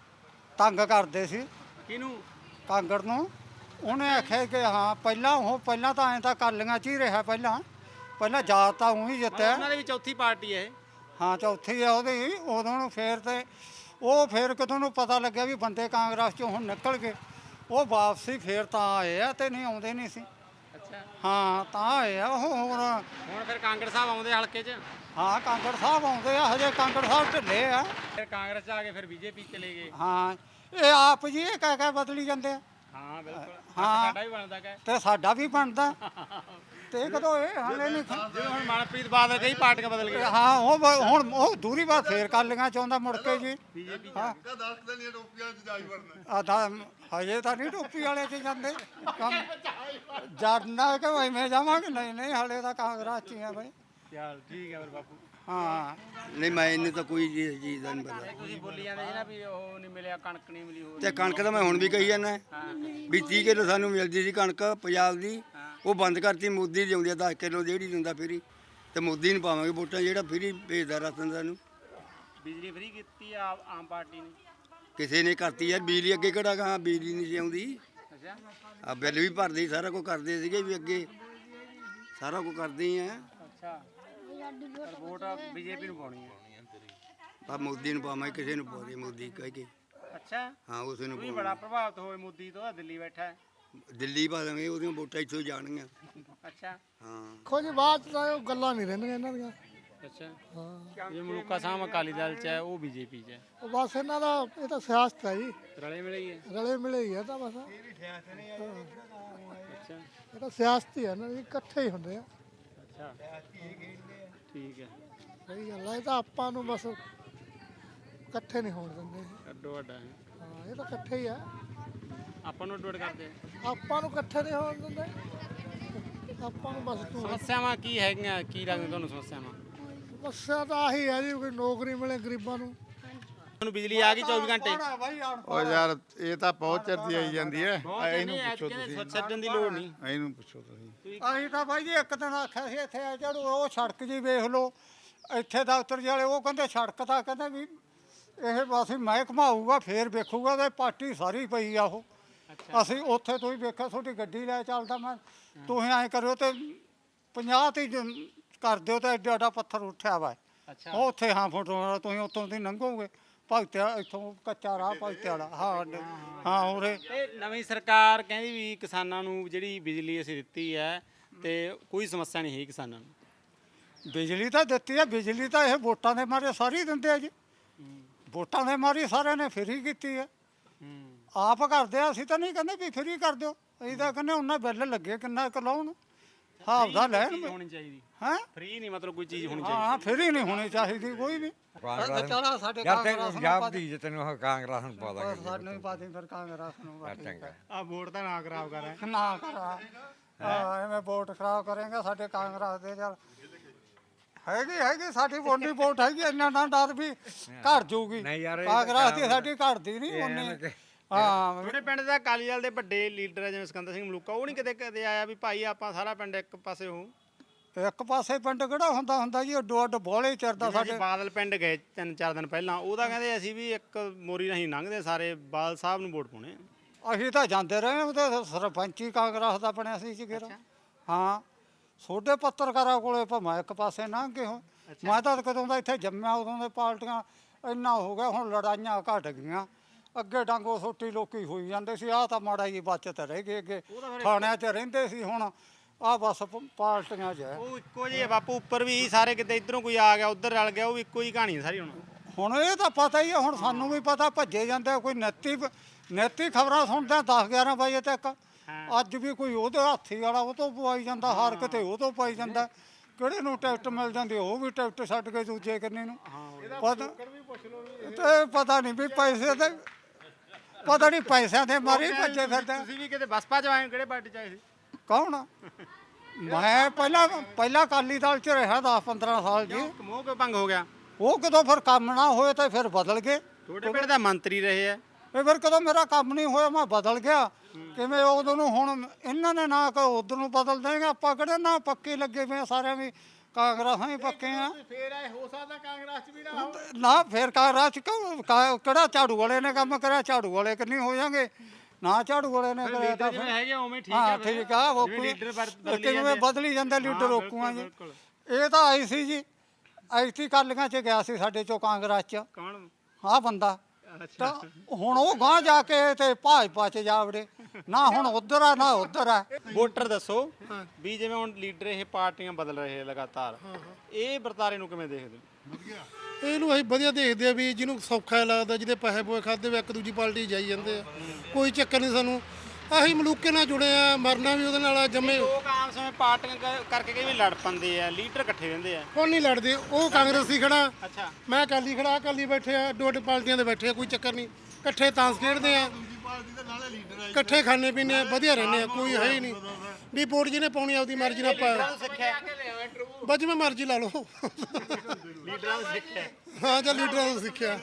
Speaker 2: ਤੰਗ ਕਰਦੇ ਸੀ
Speaker 4: ਕਿਹਨੂੰ?
Speaker 2: ਕਾਂਗੜ ਨੂੰ। ਉਹਨੇ ਆਖਿਆ ਕਿ ਹਾਂ ਪਹਿਲਾਂ ਉਹ ਪਹਿਲਾਂ ਤਾਂ ਐਂ ਤਾਂ ਕਾਲੀਆਂ 'ਚ ਹੀ ਰਿਹਾ, ਪਹਿਲਾਂ ਪਹਿਲਾਂ ਜਾਤ ਤਾਂ ਉਹੀ ਜਿੱਤਿਆ।
Speaker 4: ਉਹਨਾਂ ਦੇ ਵੀ ਚੌਥੀ ਪਾਰਟੀ ਹੈ ਇਹ।
Speaker 2: ਹਾਂ ਚੌਥੀ ਆ ਉਹਦੀ। ਉਦੋਂ ਨੂੰ ਫੇਰ ਤੇ ਉਹ ਫੇਰ ਕਿਤੋਂ ਨੂੰ ਪਤਾ ਲੱਗਿਆ ਵੀ ਬੰਦੇ ਕਾਂਗਰਸ 'ਚੋਂ ਹੁਣ ਨਿਕਲ ਗਏ, ਉਹ ਵਾਪਸੀ ਫੇਰ ਤਾਂ ਆਏ ਆ, ਤੇ ਨਹੀਂ ਆਉਂਦੇ ਨਹੀਂ ਸੀ।
Speaker 4: ਅੱਛਾ।
Speaker 2: ਹਾਂ ਤਾਂ ਆਏ ਆ ਉਹ ਹੋਰ।
Speaker 4: ਹੁਣ ਫਿਰ ਕਾਂਗੜ ਸਾਹਿਬ ਆਉਂਦੇ ਹਲਕੇ 'ਚ?
Speaker 2: ਹਾਂ ਕਾਂਗੜ ਸਾਹਿਬ ਆਉਂਦੇ ਆ, ਹਜੇ ਕਾਂਗੜ ਸਾਹਿਬ ਢਿੱਲੇ ਆ।
Speaker 4: ਫਿਰ ਕਾਂਗਰਸ 'ਚ ਆ ਕੇ ਫਿਰ ਬੀਜੇਪੀ ਚਲੇ ਗਏ।
Speaker 2: ਹਾਂ ਇਹ ਆਪ ਜੀ ਇਹ ਕਹਿ ਕਹਿ ਬਦਲੀ ਜਾਂਦੇ ਆ।
Speaker 4: ਹਾਂ ਬਿਲਕੁਲ।
Speaker 2: ਹਾਂ।
Speaker 4: ਸਾਡਾ ਵੀ ਬਣਦਾ ਕਾ
Speaker 2: ਤੇ ਸਾਡਾ ਵੀ ਬਣਦਾ। ਤੇ ਕਦੋਂ ਇਹ ਹਾਲੇ ਨਹੀਂ ਖਾ-
Speaker 4: ਜਿਵੇਂ ਹੁਣ ਮਨਪ੍ਰੀਤ ਬਾਦਲ ਕਈ ਪਾਰਟੀਆਂ ਬਦਲ ਗਏ
Speaker 2: ਹਾਂ ਉਹ ਬ- ਹੁਣ ਉਹ ਦੂਰੀ ਬਾਤ ਫੇਰ ਕਰ ਲਈਆਂ ਚਾਹੁੰਦਾ ਮੁੜ ਕੇ ਜੀ ਹਾਂ
Speaker 1: ਦਸ ਦਿਨ ਇਹ ਟੋਪੀਆਂ ਚ ਜਾਈ ਵੜਨਾ
Speaker 2: ਆ ਤਾਂ ਹਜੇ ਤਾਂ ਨਹੀਂ ਟੋਪੀ ਵਾਲੇ ਚ ਜਾਂਦੇ ਕੰਮ ਜੜਨਾ ਕਿ ਭਾਈ ਮੈਂ ਜਾਵਾਂਗੇ ਨਹੀਂ ਨਹੀਂ ਹਲੇ ਤਾਂ ਕਾਂਗਰਸ ਚ ਹੀ ਆ ਭਾਈ
Speaker 4: ਚੱਲ ਠੀਕ ਹੈ ਫਿਰ ਬਾਪੂ
Speaker 2: ਹਾਂ
Speaker 3: ਨਹੀਂ ਮੈਂ ਇਹਨੂੰ ਤਾਂ ਕੋਈ ਚੀਜ਼ ਚੀਜ਼ ਦਾ ਨਹੀਂ ਪਤਾ
Speaker 4: ਤੁਸੀਂ ਬੋਲੀ ਜਾਂਦੇ ਸੀ ਨਾ ਵੀ ਉਹ ਨਹੀਂ ਮਿਲਿਆ ਕਣਕ ਨਹੀਂ ਮਿਲੀ ਹੋਰ
Speaker 3: ਤੇ ਕਣਕ ਤਾਂ ਮੈਂ ਹੁਣ ਵੀ ਕਹੀ ਜਾਂਦਾ ਵੀ ਤੀਹ ਕਿਲੋ ਸਾਨੂੰ ਮਿਲਦੀ ਸੀ ਕਣਕ ਪੰਜਾਬ ਦੀ ਉਹ ਬੰਦ ਕਰਤੀ ਮੋਦੀ ਦੀ ਆਉਂਦੀ ਆ ਦਸ ਕਿਲੋ ਜਿਹੜੀ ਦਿੰਦਾ ਫਰੀ ਤੇ ਮੋਦੀ ਨੂੰ ਪਾਵਾਂਗੇ ਵੋਟਾਂ ਜਿਹੜਾ ਫਰੀ ਭੇਜਦਾ ਰਾਸ਼ਨ ਸਾਨੂੰ
Speaker 4: ਬਿਜਲੀ ਫਰੀ ਕੀਤੀ ਆ ਆਮ ਪਾਰਟੀ ਨੇ
Speaker 3: ਕਿਸੇ ਨੇ ਕਰਤੀ ਯਾਰ ਬਿਜਲੀ ਅੱਗੇ ਕਿਹੜਾ ਕਹਾਂ ਬਿਜਲੀ ਨਹੀਂ ਸੀ ਆਉਂਦੀ
Speaker 4: ਅੱਛਾ
Speaker 3: ਆ ਬਿੱਲ ਵੀ ਭਰਦੇ ਸੀ, ਸਾਰਾ ਕੁਝ ਕਰਦੇ ਸੀਗੇ ਵੀ ਅੱਗੇ ਸਾਰਾ ਕੁਝ ਕਰਦੇ ਹੀ ਆ
Speaker 4: ਅੱਛਾ ਪਰ ਵੋਟ ਬੀਜੇਪੀ ਨੂੰ ਪਾਉਣੀ ਹੈ
Speaker 3: ਪਰ ਮੋਦੀ ਨੂੰ ਪਾਵਾਂਗੇ ਕਿਸੇ ਨੂੰ ਪਾਉਂਦੇ ਮੋਦੀ ਕਹਿ ਕੇ
Speaker 4: ਅੱਛਾ
Speaker 3: ਹਾਂ ਉਸੇ ਨੂੰ
Speaker 4: ਤੁਸੀਂ ਬੜਾ ਪ੍ਰਭਾਵਿਤ ਹੋਏ ਮੋਦੀ ਤੋਂ ਦਿੱਲੀ ਬੈਠਾ ਹੈ
Speaker 3: ਦਿੱਲੀ ਪਾ ਦਾਂਗੇ ਉਹਦੀਆਂ ਵੋਟਾਂ ਇੱਥੋਂ ਜਾਣਗੀਆਂ
Speaker 4: ਅੱਛਾ
Speaker 3: ਹਾਂ
Speaker 5: ਦੇਖੋ ਜੀ ਬਾਅਦ ਚ ਤਾਂ ਉਹ ਗੱਲਾਂ ਨਹੀਂ ਰਹਿੰਦੀਆਂ ਇਹਨਾਂ ਦੀਆਂ
Speaker 4: ਅੱਛਾ ਹਾਂ ਜੇ ਮਲੂਕਾ ਸਾਹਿਬ ਅਕਾਲੀ ਦਲ ਚ ਹੈ ਉਹ ਬੀਜੇਪੀ ਚ ਹੈ
Speaker 5: ਉਹ ਬਸ ਇਹਨਾਂ ਦਾ ਇਹ ਤਾਂ ਸਿਆਸਤ ਹੈ ਜੀ
Speaker 4: ਰਲੇ ਮਿਲੇ ਹੀ ਹੈ
Speaker 5: ਰਲੇ ਮਿਲੇ ਹੀ ਆ ਤਾਂ ਬਸ
Speaker 4: ਅੱਛਾ
Speaker 5: ਇਹ ਤਾਂ ਸਿਆਸਤ ਹੀ ਆ ਨਾ ਜੀ ਇਕੱਠੇ ਹੀ ਹੁੰਦੇ ਆ
Speaker 4: ਅੱਛਾ ਠੀਕ ਹੈ
Speaker 5: ਸਹੀ ਗੱਲ ਆ ਇਹ ਤਾਂ ਆਪਾਂ ਨੂੰ ਬਸ ਇਕੱਠੇ ਨਹੀਂ ਹੋਣ ਦਿੰਦੇ ਇਹ।
Speaker 4: ਅੱਡੋ ਅੱਡਾ ਹੈ
Speaker 5: ਹਾਂ ਇਹ ਤਾਂ ਇਕੱਠੇ ਹੀ ਆ
Speaker 4: ਆਪਾਂ ਨੂੰ ਅੱਡੋ ਅੱਡ ਕਰਦੇ ਆ
Speaker 5: ਆਪਾਂ ਨੂੰ ਇਕੱਠੇ ਨਹੀਂ ਹੋਣ ਦਿੰਦੇ ਆਪਾਂ ਨੂੰ ਬਸ ਤੂੰ
Speaker 4: ਸਮੱਸਿਆਵਾਂ ਕੀ ਹੈਗੀਆਂ ਕੀ ਲੱਗਦਾ ਤੁਹਾਨੂੰ ਸਮੱਸਿਆਵਾਂ
Speaker 5: ਸਮੱਸਿਆ ਤਾਂ ਆਹੀ ਹੈ ਜੀ ਕੋਈ ਨੌਕਰੀ ਮਿਲੇ ਗਰੀਬਾਂ ਨੂੰ
Speaker 4: ਤੁਹਾਨੂੰ ਬਿਜਲੀ ਆ ਗਈ ਚੌਵੀ ਘੰਟੇ
Speaker 11: ਉਹ ਯਾਰ ਇਹ ਤਾਂ ਬਹੁਤ ਚਿਰ ਦੀ ਆਈ ਜਾਂਦੀ ਹੈ
Speaker 4: ਇਹਨੂੰ ਪੁੱਛੋ ਤੁਸੀਂ ਛੱਡਣ ਦੀ ਲੋੜ ਨਹੀਂ
Speaker 11: ਇਹਨੂੰ ਪੁੱਛੋ ਤੁਸੀਂ
Speaker 2: ਅਸੀਂ ਤਾਂ ਬਾਈ ਜੀ ਇੱਕ ਦਿਨ ਆਖਿਆ ਸੀ ਇੱਥੇ ਆ ਚੜੋ ਉਹ ਸੜਕ ਜੀ ਵੇਖ ਲਓ ਇੱਥੇ ਦਫ਼ਤਰ ਵਾਲੇ ਉਹ ਕਹਿੰਦੇ ਸੜਕ ਤਾਂ ਕਹਿੰਦੇ ਵੀ ਇਹ ਅਸੀਂ ਮੈਂ ਘਮਾਊਗਾ ਫੇਰ ਵੇਖੂਗਾ ਤੇ ਪਾਰਟੀ ਸਾਰੀ ਪਈ ਆ ਉਹ ਅਸੀਂ ਉੱਥੇ ਤੁਸੀਂ ਵੇਖਿਆ ਤੁਹਾਡੀ ਗੱਡੀ ਲੈ ਚੱਲਦਾ ਮੈਂ ਤੁਸੀਂ ਐਂ ਕਰਿਓ ਤੇ ਪੰਜਾਹ ਤੇ ਜ- ਕਰ ਦਿਓ ਤੇ ਐਡਾ ਐਡਾ ਪੱਥਰ ਉੱਠਿਆ ਵਾ
Speaker 4: ਅੱਛਾ
Speaker 2: ਉਹ ਉੱਥੇ ਹਾਂ ਫੋਟੋ ਤੁਸੀਂ ਉੱਥੋਂ ਦੀ ਲੰਘੋਗੇ ਭਗਤਿਆ ਇੱਥੋਂ ਕੱਚਾ ਰਾਹ ਭਗਤਿਆ ਵਾਲਾ ਹਾਂ ਅੱਡੇ- ਹਾਂ ਉਰੇ
Speaker 4: ਤੇ ਨਵੀਂ ਸਰਕਾਰ ਕਹਿੰਦੀ ਵੀ ਕਿਸਾਨਾਂ ਨੂੰ ਜਿਹੜੀ ਬਿਜਲੀ ਅਸੀਂ ਦਿੱਤੀ ਹੈ ਤੇ ਕੋਈ ਸਮੱਸਿਆ ਨਹੀਂ ਹੈ ਕਿਸਾਨਾਂ ਨੂੰ
Speaker 2: ਬਿਜਲੀ ਤਾਂ ਦਿੱਤੀ ਆ ਬਿਜਲੀ ਤਾਂ ਇਹ ਵੋਟਾਂ ਦੇ ਮਾਰੇ ਸਾਰੇ ਹੀ ਦਿੰਦੇ ਆ ਜੀ ਵੋਟਾਂ ਦੇ ਮਾਰੇ ਸਾਰਿਆਂ ਨੇ ਫਰੀ ਕੀਤੀ ਆ ਆਪ ਕਰਦੇ ਆ ਅਸੀਂ ਤਾਂ ਨਹੀਂ ਕਹਿੰਦੇ ਵੀ ਫਰੀ ਕਰ ਦਿਓ ਅਸੀਂ ਤਾਂ ਕਹਿੰਦੇ ਉਹਨਾਂ ਬਿੱਲ ਲੱਗੇ ਕਿੰਨਾ ਕੁ ਲਾਉਣ ਹਿਸਾਬ ਦਾ ਲੈਣ
Speaker 4: ਚੀਜ਼ ਹੋਣੀ ਚਾਹੀਦੀ
Speaker 2: ਹੈ
Speaker 4: ਫ੍ਰੀ ਨਹੀਂ ਮਤਲਬ ਕੋਈ ਚੀਜ਼ ਹੋਣੀ ਚਾਹੀਦੀ
Speaker 2: ਹਾਂ ਫਰੀ ਨਹੀਂ ਹੋਣੀ ਚਾਹੀਦੀ ਕੋਈ ਵੀ ਚਲਾ ਸਾਡੇ ਕਾਂਗਰਸ ਨੂੰ ਪਾ ਦੇ
Speaker 12: ਤੈਨੂੰ ਕਾਂਗਰਸ ਨੂੰ ਪਾ ਦਾਂਗੇ
Speaker 2: ਸਾਨੂੰ ਹੀ ਪਾ ਦੇ ਫਿਰ ਕਾਂਗਰਸ ਨੂੰ ਬਸ ਠੀਕ ਹੈ।
Speaker 4: ਆ ਵੋਟ ਤਾਂ ਨਾ ਖਰਾਬ ਕਰ ਰਿਹਾ
Speaker 2: ਨਾ ਕਰਾ ਹਾਂ ਐਵੇਂ ਵੋਟ ਖਰਾਬ ਕਰੇਗਾ ਸਾਡੇ ਕਾਂਗਰਸ ਦੇ ਚੱਲ ਹੈਗੀ ਹੈਗੀ ਸਾਡੀ ਵੋਟੀ ਵੋਟ ਹੈਗੀ ਇੰਨਾ ਨਾ ਡਰ ਵੀ ਘਰ ਜਾਊਗੀ
Speaker 12: ਨਹੀਂ ਯਾਰ, ਇਹ
Speaker 2: ਕਾਂਗਰਸ ਦੀ ਸਾਡੀ ਘਟਦੀ ਨਹੀਂ ਉਹਨੇ ਹਾਂ
Speaker 4: ਤੁਹਾਡੇ ਪਿੰਡ ਦਾ ਅਕਾਲੀ ਦਲ ਦੇ ਵੱਡੇ ਲੀਡਰ ਹੈ ਜਿਵੇਂ ਸਿਕੰਦਰ ਸਿੰਘ ਮਲੂਕਾ ਉਹ ਨਹੀਂ ਕਿਤੇ ਕਦੇ ਆਇਆ ਵੀ ਭਾਈ ਆਪਾਂ ਸਾਰਾ ਪਿੰਡ ਇੱਕ ਪਾਸੇ ਹੋ
Speaker 2: ਇੱਕ ਪਾਸੇ ਪਿੰਡ ਕਿਹੜਾ ਹੁੰਦਾ ਹੁੰਦਾ ਜੀ ਅੱਡੋ ਅੱਡ ਬੋਲੇ ਚਿਰਦਾ
Speaker 4: ਸਾਡੇ
Speaker 2: ਸਾਡੇ
Speaker 4: ਬਾਦਲ ਪਿੰਡ ਗਏ ਤਿੰਨ ਚਾਰ ਦਿਨ ਪਹਿਲਾਂ ਉਹਦਾ ਕਹਿੰਦੇ ਅਸੀਂ ਵੀ ਇੱਕ ਮੋਰੀ ਨਹੀਂ ਲੰਘਦੇ ਸਾਰੇ ਬਾਦਲ ਸਾਹਿਬ ਨੂੰ ਵੋਟ ਪਾਉਣੇ
Speaker 2: ਅਸੀਂ ਤਾਂ ਜਾਂਦੇ ਰਹੇ ਉਹ ਤੇ ਸਰਪੰਚੀ ਕਾਂਗਰਸ ਦਾ ਬਣਿਆ ਸੀ ਜੀ ਫਿਰ ਹਾਂ ਛੋਟੇ ਪੱਤਰਕਾਰਾਂ ਕੋਲੇ ਭਾਵੇਂ ਇੱਕ ਪਾਸੇ ਲੰਘ ਗਏ ਹੋ ਮੈਂ ਤਾਂ ਕਦੋਂ ਦਾ ਇੱਥੇ ਜੰਮਿਆ ਉਦੋਂ ਦੇ ਪਾਰਟੀਆਂ ਇੰਨਾ ਹੋ ਗਿਆ ਹੁਣ ਲੜਾਈਆਂ ਘਟ ਗਈਆਂ ਅੱਗੇ ਡਾਂਗੋ ਸੋਟੀ ਲੋਕੀ ਹੋਈ ਜਾਂਦੇ ਸੀ ਆਹ ਤਾਂ ਮਾੜਾ ਜੀ ਬਚਤ ਰਹਿ ਗਈ ਅੱਗੇ ਥਾਣਿਆਂ 'ਚ ਰਹਿੰਦੇ ਸੀ ਹੁਣ ਆਹ ਬਸ ਪ- ਪਾਰਟੀਆਂ 'ਚ ਹੈ
Speaker 4: ਉਹ ਇੱਕੋ ਜਿਹੇ ਬਾਪੂ ਉੱਪਰ ਵੀ ਸਾਰੇ ਕਿਤੇ ਇਧਰੋਂ ਕੋਈ ਆ ਗਿਆ ਉਧਰ ਰਲ ਗਿਆ ਉਹ ਵੀ ਇੱਕੋ ਹੀ ਕਹਾਣੀ ਹੈ ਸਾਰੀ ਹੁਣ
Speaker 2: ਹੁਣ ਇਹ ਤਾਂ ਪਤਾ ਹੀ ਹੈ ਹੁਣ ਸਾਨੂੰ ਵੀ ਪਤਾ ਭੱਜੇ ਜਾਂਦੇ ਆ, ਕੋਈ ਨੈਤੀ ਨੈਤੀ ਖਬਰਾਂ ਸੁਣਦੇ ਆ ਦਸ ਗਿਆਰਾਂ ਵਜੇ ਤੱਕ ਅੱਜ ਵੀ ਕੋਈ ਉਹਦੇ ਹਾਥੀ ਵਾਲਾ ਉਹ ਤੋਂ ਪਵਾਈ ਜਾਂਦਾ ਹਾਰ ਕਿਤੇ ਉਹ ਤੋਂ ਪਾਈ ਜਾਂਦਾ ਕਿਹੜੇ ਨੂੰ ਟਿਕਟ ਮਿਲ ਜਾਂਦੀ ਉਹ ਵੀ ਟਿਕਟ ਛੱਡ ਕੇ ਦੂਜੇ ਕੰਨੇ ਨੂੰ ਪਤਾ ਤੇ ਪਤਾ ਨਹੀਂ ਵੀ ਪੈਸੇ ਤੇ ਪਤਾ ਨਹੀਂ ਪੈਸਿਆਂ ਦੇ ਮਾਰੇ ਭੱਜੇ ਫਿਰਦੇ
Speaker 4: ਤੁਸੀਂ ਵੀ ਕਿਤੇ ਬਸਪਾ ਚ ਆਏ ਹੋ, ਕਿਹੜੇ ਪਾਰਟੀ ਚ ਆਏ ਸੀ
Speaker 2: ਕੌਣ ਮੈਂ ਪਹਿਲਾਂ ਪਹਿਲਾਂ ਅਕਾਲੀ ਦਲ 'ਚ ਰਿਹਾ ਦਸ ਪੰਦਰਾਂ ਸਾਲ ਜੀ
Speaker 4: ਮੋਹ ਕਿਉਂ ਭੰਗ ਹੋ ਗਿਆ
Speaker 2: ਉਹ ਕਦੋਂ ਫਿਰ ਕੰਮ ਨਾ ਹੋਏ ਤਾਂ ਫਿਰ ਬਦਲ ਗਏ
Speaker 4: ਤੁਹਾਡੇ ਪਿੰਡ ਦਾ ਮੰਤਰੀ ਰਹੇ ਆ
Speaker 2: ਇਹ ਫਿਰ ਕਦੋਂ ਮੇਰਾ ਕੰਮ ਨਹੀਂ ਹੋਇਆ ਮੈਂ ਬਦਲ ਗਿਆ ਕਿਵੇਂ ਉਦੋਂ ਨੂੰ ਹੁਣ ਇਹਨਾਂ ਨੇ ਨਾ ਕਿ ਉਧਰ ਨੂੰ ਬਦਲ ਦੇਣਗੇ ਆਪਾਂ ਕਿਹੜੇ ਨਾ ਪੱਕੇ ਲੱਗੇ ਪਏ ਆ ਸਾਰਿਆਂ ਵੀ ਕਾਂਗਰਸਾਂ ਹੀ ਪੱਕੇ ਆ
Speaker 4: ਫੇਰ ਆਏ ਹੋ ਸਕਦਾ ਕਾਂਗਰਸ ਚ ਵੀ ਨਾ
Speaker 2: ਨਾ ਫਿਰ ਕਾਂਗਰਸ ਚ ਕਿਉਂ- ਕਾ- ਕਿਹੜਾ ਝਾੜੂ ਵਾਲੇ ਨੇ ਕੰਮ ਕਰਿਆ ਝਾੜੂ ਵਾਲੇ ਕਿੰਨੀ ਹੋ ਜਾਣਗੇ ਨਾ ਝਾੜੂ ਵਾਲੇ ਨੇ ਕਰਿਆ ਤਾਂ
Speaker 4: ਜਿਵੇਂ
Speaker 2: ਫਿਰ
Speaker 4: ਹੈਗੇ ਉਵੇਂ ਠੀਕ
Speaker 2: ਹਾਂ
Speaker 4: ਹੈ ਫਿਰ।
Speaker 2: ਠੀਕ ਆ ਉਹ
Speaker 4: ਜਿਵੇਂ ਲੀਡਰ ਬਦ- ਬਦਲੀ
Speaker 2: ਕਿਵੇਂ
Speaker 4: ਜਾਂਦੇ ਆ।
Speaker 2: ਬਦਲੀ ਜਾਂਦੇ ਲੀਡਰ ਰੋਕੂਆਂ ਜੀ ਇਹ ਤਾਂ ਆਈ ਸੀ ਜੀ ਐਤੀ ਕਾਲੀਆਂ ਚ ਗਿਆ ਸੀ ਸਾਡੇ ਚੋਂ ਕਾਂਗਰਸ ਚ
Speaker 4: ਕੌਣ
Speaker 2: ਆਹ ਬੰਦਾ ਤਾਂ ਹੁਣ ਉਹ ਗਾਂ ਜਾ ਕੇ ਤੇ ਭਾਜਪਾ ਚ ਜਾ ਵੜੇ ਨਾ ਹੁਣ ਉਧਰ ਆ ਨਾ ਉਧਰ ਆ
Speaker 4: ਵੋਟਰ ਦੱਸੋ ਵੀ ਜਿਵੇਂ ਹੁਣ ਲੀਡਰ ਇਹ ਪਾਰਟੀਆਂ ਬਦਲ ਰਹੇ ਲਗਾਤਾਰ ਇਹ ਵਰਤਾਰੇ ਨੂੰ ਕਿਵੇਂ ਦੇਖਦੇ ਹੋ
Speaker 5: ਇਹਨੂੰ ਅਸੀਂ ਵਧੀਆ ਦੇਖਦੇ ਆ ਵੀ ਜਿਹਨੂੰ ਸੌਖਾ ਲੱਗਦਾ ਜਿਹਦੇ ਪੈਸੇ ਪੋਏ ਖਾਦੇ ਵੇ ਇੱਕ ਦੂਜੀ ਪਾਰਟੀ ਜਾਈ ਜਾਂਦੇ ਆ ਕੋਈ ਚੱਕਰ ਨਹੀਂ ਸਾਨੂੰ ਆਹੀ ਮਲੂਕੇ ਨਾਲ ਜੁੜੇ ਆ, ਮਰਨਾ ਵੀ ਉਹਦੇ ਨਾਲ ਆ, ਜੰਮੇ
Speaker 4: ਲੋਕ ਆਮ ਸਮੇਂ ਪਾਰਟੀਆਂ ਕ- ਕਰਕੇ ਕਈ ਵਾਰ ਲੜ ਪੈਂਦੇ ਆ, ਲੀਡਰ ਇਕੱਠੇ ਰਹਿੰਦੇ ਆ।
Speaker 5: ਹੁਣ ਨਹੀਂ ਲੜਦੇ, ਉਹ ਕਾਂਗਰਸੀ ਖੜਾ,
Speaker 4: ਅੱਛਾ
Speaker 5: ਮੈਂ ਅਕਾਲੀ ਖੜਾ, ਅਕਾਲੀ ਬੈਠੇ ਆ, ਦੋ ਦੋ ਪਾਰਟੀਆਂ ਦੇ ਬੈਠੇ ਆ, ਕੋਈ ਚੱਕਰ ਨਹੀਂ, ਇਕੱਠੇ ਤਾਂਸ ਖੇਡਦੇ ਆ, ਇਕੱਠੇ ਖਾਣੇ ਪੀਣੇ ਆ, ਵਧੀਆ ਰਹਿੰਦੇ ਆ, ਕੋਈ ਹੈ ਹੀ ਨਹੀਂ ਵੀ ਵੋਟ ਜਿਹਨੇ ਪਾਉਣੀ ਆਪਦੀ ਮਰਜ਼ੀ ਨਾਲ ਪਾ, ਬਸ ਜਿਵੇਂ ਮਰਜ਼ੀ ਲਾ ਲਓ।
Speaker 4: ਲੀਡਰਾਂ ਨੂੰ ਸਿੱਖਿਆ
Speaker 5: ਹਾਂ ਜਾਂ ਲੀਡਰਾਂ ਤੋਂ ਸਿੱਖਿਆ।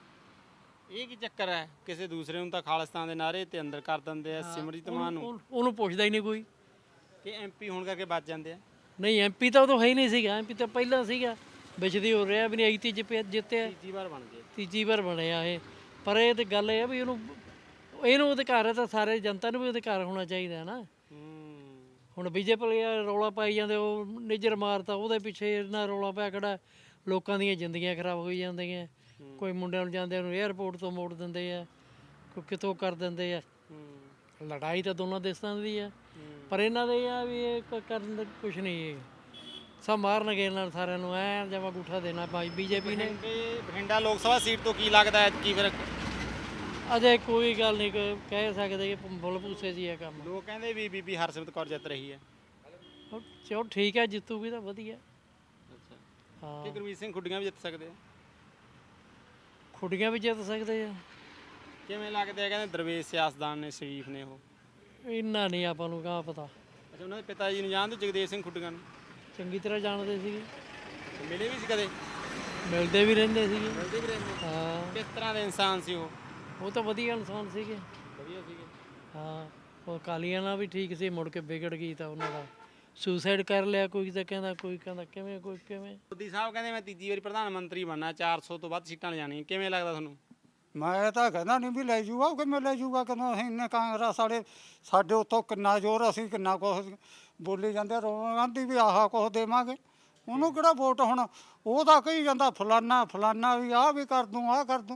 Speaker 4: ਇਹ ਕੀ ਚੱਕਰ ਹੈ? ਕਿਸੇ ਦੂਸਰੇ ਨੂੰ ਤਾਂ ਖਾਲਿਸਤਾਨ ਦੇ ਨਾਅਰੇ ਤੇ ਅੰਦਰ ਕਰ ਦਿੰਦੇ ਆ, ਸਿਮਰਜੀਤ ਮਾਨ ਨੂੰ,
Speaker 6: ਉਹਨੂੰ- ਉਹਨੂੰ ਪੁੱਛਦਾ ਹੀ ਨਹੀਂ ਕੋਈ।
Speaker 4: ਕਿ ਐਮਪੀ ਹੋਣ ਕਰਕੇ ਬਚ ਜਾਂਦੇ ਆ।
Speaker 6: ਨਹੀਂ ਐਮਪੀ ਤਾਂ ਉਦੋਂ ਹੈ ਹੀ ਨਹੀਂ ਸੀਗਾ, ਐਮਪੀ ਤਾਂ ਪਹਿਲਾਂ ਸੀਗਾ, ਵਿਚਦੀ ਹੋ ਰਿਹਾ ਵੀ ਨਹੀਂ, ਆਈ ਜਿੱਤਿਆ
Speaker 4: ਤੀਜੀ ਵਾਰ ਬਣ ਗਏ।
Speaker 6: ਤੀਜੀ ਵਾਰ ਬਣਿਆ ਇਹ। ਪਰ ਇਹ ਤੇ ਗੱਲ ਇਹ ਆ ਵੀ ਇਹਨੂੰ ਇਹਨੂੰ ਅਧਿਕਾਰ ਹੈ ਤਾਂ ਸਾਰੇ ਜਨਤਾ ਨੂੰ ਵੀ ਅਧਿਕਾਰ ਹੋਣਾ ਚਾਹੀਦਾ ਨਾ। ਹੁਣ ਬੀਜੇਪੀ ਵਾਲੇ ਰੌਲਾ ਪਾਈ ਜਾਂਦੇ, ਉਹ ਨਿੱਜਰ ਮਾਰਤਾ, ਉਹਦੇ ਪਿੱਛੇ ਇਹਨਾਂ ਰੌਲਾ ਪਿਆ ਖੜਾ, ਲੋਕਾਂ ਦੀਆਂ ਜ਼ਿੰਦਗੀਆਂ ਖਰਾਬ ਹੋਈ ਜਾਂਦੀਆਂ। ਕੋਈ ਮੁੰਡਿਆਂ ਨੂੰ ਜਾਂਦਿਆਂ ਨੂੰ 에ਅਰਪੋਰਟ ਤੋਂ ਮੋੜ ਦਿੰਦੇ ਆ, ਕੋਈ ਕਿਤੋਂ ਕਰ ਦਿੰਦੇ ਆ। ਲੜਾਈ ਤਾਂ ਦੋਨਾਂ ਦੇਸ਼ਾਂ ਦੀ ਆ, ਪਰ ਇਹਨਾਂ ਦੇ ਆ ਵੀ ਇਹ ਕ- ਕਰਨ ਦਾ ਕੁਛ ਨਹੀਂ, ਸਭ ਮਾਰਨਗੇ ਇਹਨਾਂ ਨੂੰ ਸਾਰਿਆਂ ਨੂੰ, ਐ ਜਮਾ ਗੂਠਾ ਦੇਣਾ ਭਾਈ ਬੀਜੇਪੀ ਨੇ।
Speaker 4: ਬਠਿੰਡੇ ਬਠਿੰਡਾ ਲੋਕ ਸਭਾ ਸੀਟ ਤੋਂ ਕੀ ਲੱਗਦਾ ਹੈ ਕੀ ਫਿਰ?
Speaker 6: ਅਜੇ ਕੋਈ ਗੱਲ ਨਹੀਂ ਕ- ਕਹਿ ਸਕਦੇ ਕਿ ਬੁੱਲ ਭੂਸੇ ਜੀ ਇਹ ਕੰਮ।
Speaker 4: ਲੋਕ ਕਹਿੰਦੇ ਵੀ ਬੀਬੀ ਹਰਸਿਮਰਤ ਕੌਰ ਜਿੱਤ ਰਹੀ ਹੈ।
Speaker 6: ਉਹ ਚਲੋ ਠੀਕ ਹੈ, ਜਿੱਤੂਗੀ ਤਾਂ ਵਧੀਆ।
Speaker 4: ਅੱਛਾ ਕਿ
Speaker 6: ਹਾਂ,
Speaker 4: ਗੁਰਮੀਤ ਸਿੰਘ ਖੁੱਡੀਆਂ ਵੀ ਜਿੱਤ ਸਕਦੇ ਆ?
Speaker 6: ਖੁੱਡੀਆਂ ਵੀ ਜਿੱਤ ਸਕਦੇ ਆ।
Speaker 4: ਕਿਵੇਂ ਲੱਗਦੇ ਆ? ਕਹਿੰਦੇ ਦਰਵੇਸ਼ ਸਿਆਸਤਦਾਨ ਨੇ, ਸ਼ਰੀਫ ਨੇ ਉਹ।
Speaker 6: ਇੰਨਾ ਨਹੀਂ ਆਪਾਂ ਨੂੰ ਕਹਾਂ ਪਤਾ।
Speaker 4: ਅੱਛਾ ਉਹਨਾਂ ਦੇ ਪਿਤਾ ਜੀ ਨੂੰ ਜਾਣਦੇ ਹੋ, ਜਗਦੇਵ ਸਿੰਘ ਖੁੱਡੀਆਂ ਨੂੰ?
Speaker 6: ਚੰਗੀ ਤਰ੍ਹਾਂ ਜਾਣਦੇ ਸੀਗੇ,
Speaker 4: ਤੇ ਮਿਲੇ ਵੀ ਸੀ ਕਦੇ?
Speaker 6: ਮਿਲਦੇ ਵੀ ਰਹਿੰਦੇ ਸੀਗੇ।
Speaker 4: ਮਿਲਦੇ ਵੀ ਰਹਿੰਦੇ।
Speaker 6: ਹਾਂ,
Speaker 4: ਕਿਸ ਤਰ੍ਹਾਂ ਦੇ ਇਨਸਾਨ ਸੀ ਉਹ?
Speaker 6: ਉਹ ਤਾਂ ਵਧੀਆ ਇਨਸਾਨ ਸੀਗੇ।
Speaker 4: ਵਧੀਆ ਸੀਗੇ।
Speaker 6: ਹਾਂ, ਉਹ ਅਕਾਲੀਆਂ ਨਾਲ ਵੀ ਠੀਕ ਸੀ, ਮੁੜ ਕੇ ਵਿਗੜ ਗਈ ਤਾਂ ਉਹਨਾਂ ਦਾ ਸੁਸਾਈਡ ਕਰ ਲਿਆ। ਕੋਈ ਤਾਂ ਕਹਿੰਦਾ, ਕੋਈ ਕਹਿੰਦਾ ਕਿਵੇਂ, ਕੋਈ ਕਿਵੇਂ।
Speaker 4: ਮੋਦੀ ਸਾਹਿਬ ਕਹਿੰਦੇ ਮੈਂ ਤੀਜੀ ਵਾਰੀ ਪ੍ਰਧਾਨ ਮੰਤਰੀ ਬਣਨਾ, ਚਾਰ ਸੌ ਤੋਂ ਵੱਧ ਸੀਟਾਂ ਲਿਜਾਣੀਆਂ। ਕਿਵੇਂ ਲੱਗਦਾ ਤੁਹਾਨੂੰ?
Speaker 2: ਮੈਂ ਤਾਂ ਕਹਿੰਦਾ ਨਹੀਂ ਵੀ ਲੈ ਜੂਗਾ, ਉਹ ਕਿਵੇਂ ਲੈ ਜੂਗਾ? ਕਹਿੰਦਾ ਅਸੀਂ ਇੰਨੇ ਕਾਂਗਰਸ ਵਾਲੇ, ਸਾਡੇ ਉੱਤੋਂ ਕਿੰਨਾ ਜ਼ੋਰ, ਅਸੀਂ ਕਿੰਨਾ ਕੁਛ ਬੋਲੀ ਜਾਂਦੇ, ਰੋਣ ਗਾਂਧੀ ਵੀ ਆਹ ਕੁਛ ਦੇਵਾਂਗੇ, ਉਹਨੂੰ ਕਿਹੜਾ ਵੋਟ? ਹੁਣ ਉਹ ਤਾਂ ਕਹੀ ਜਾਂਦਾ ਫਲਾਨਾ ਫਲਾਨਾ ਵੀ ਆਹ ਵੀ ਕਰ ਦੂੰ, ਆਹ ਕਰ ਦੂੰ।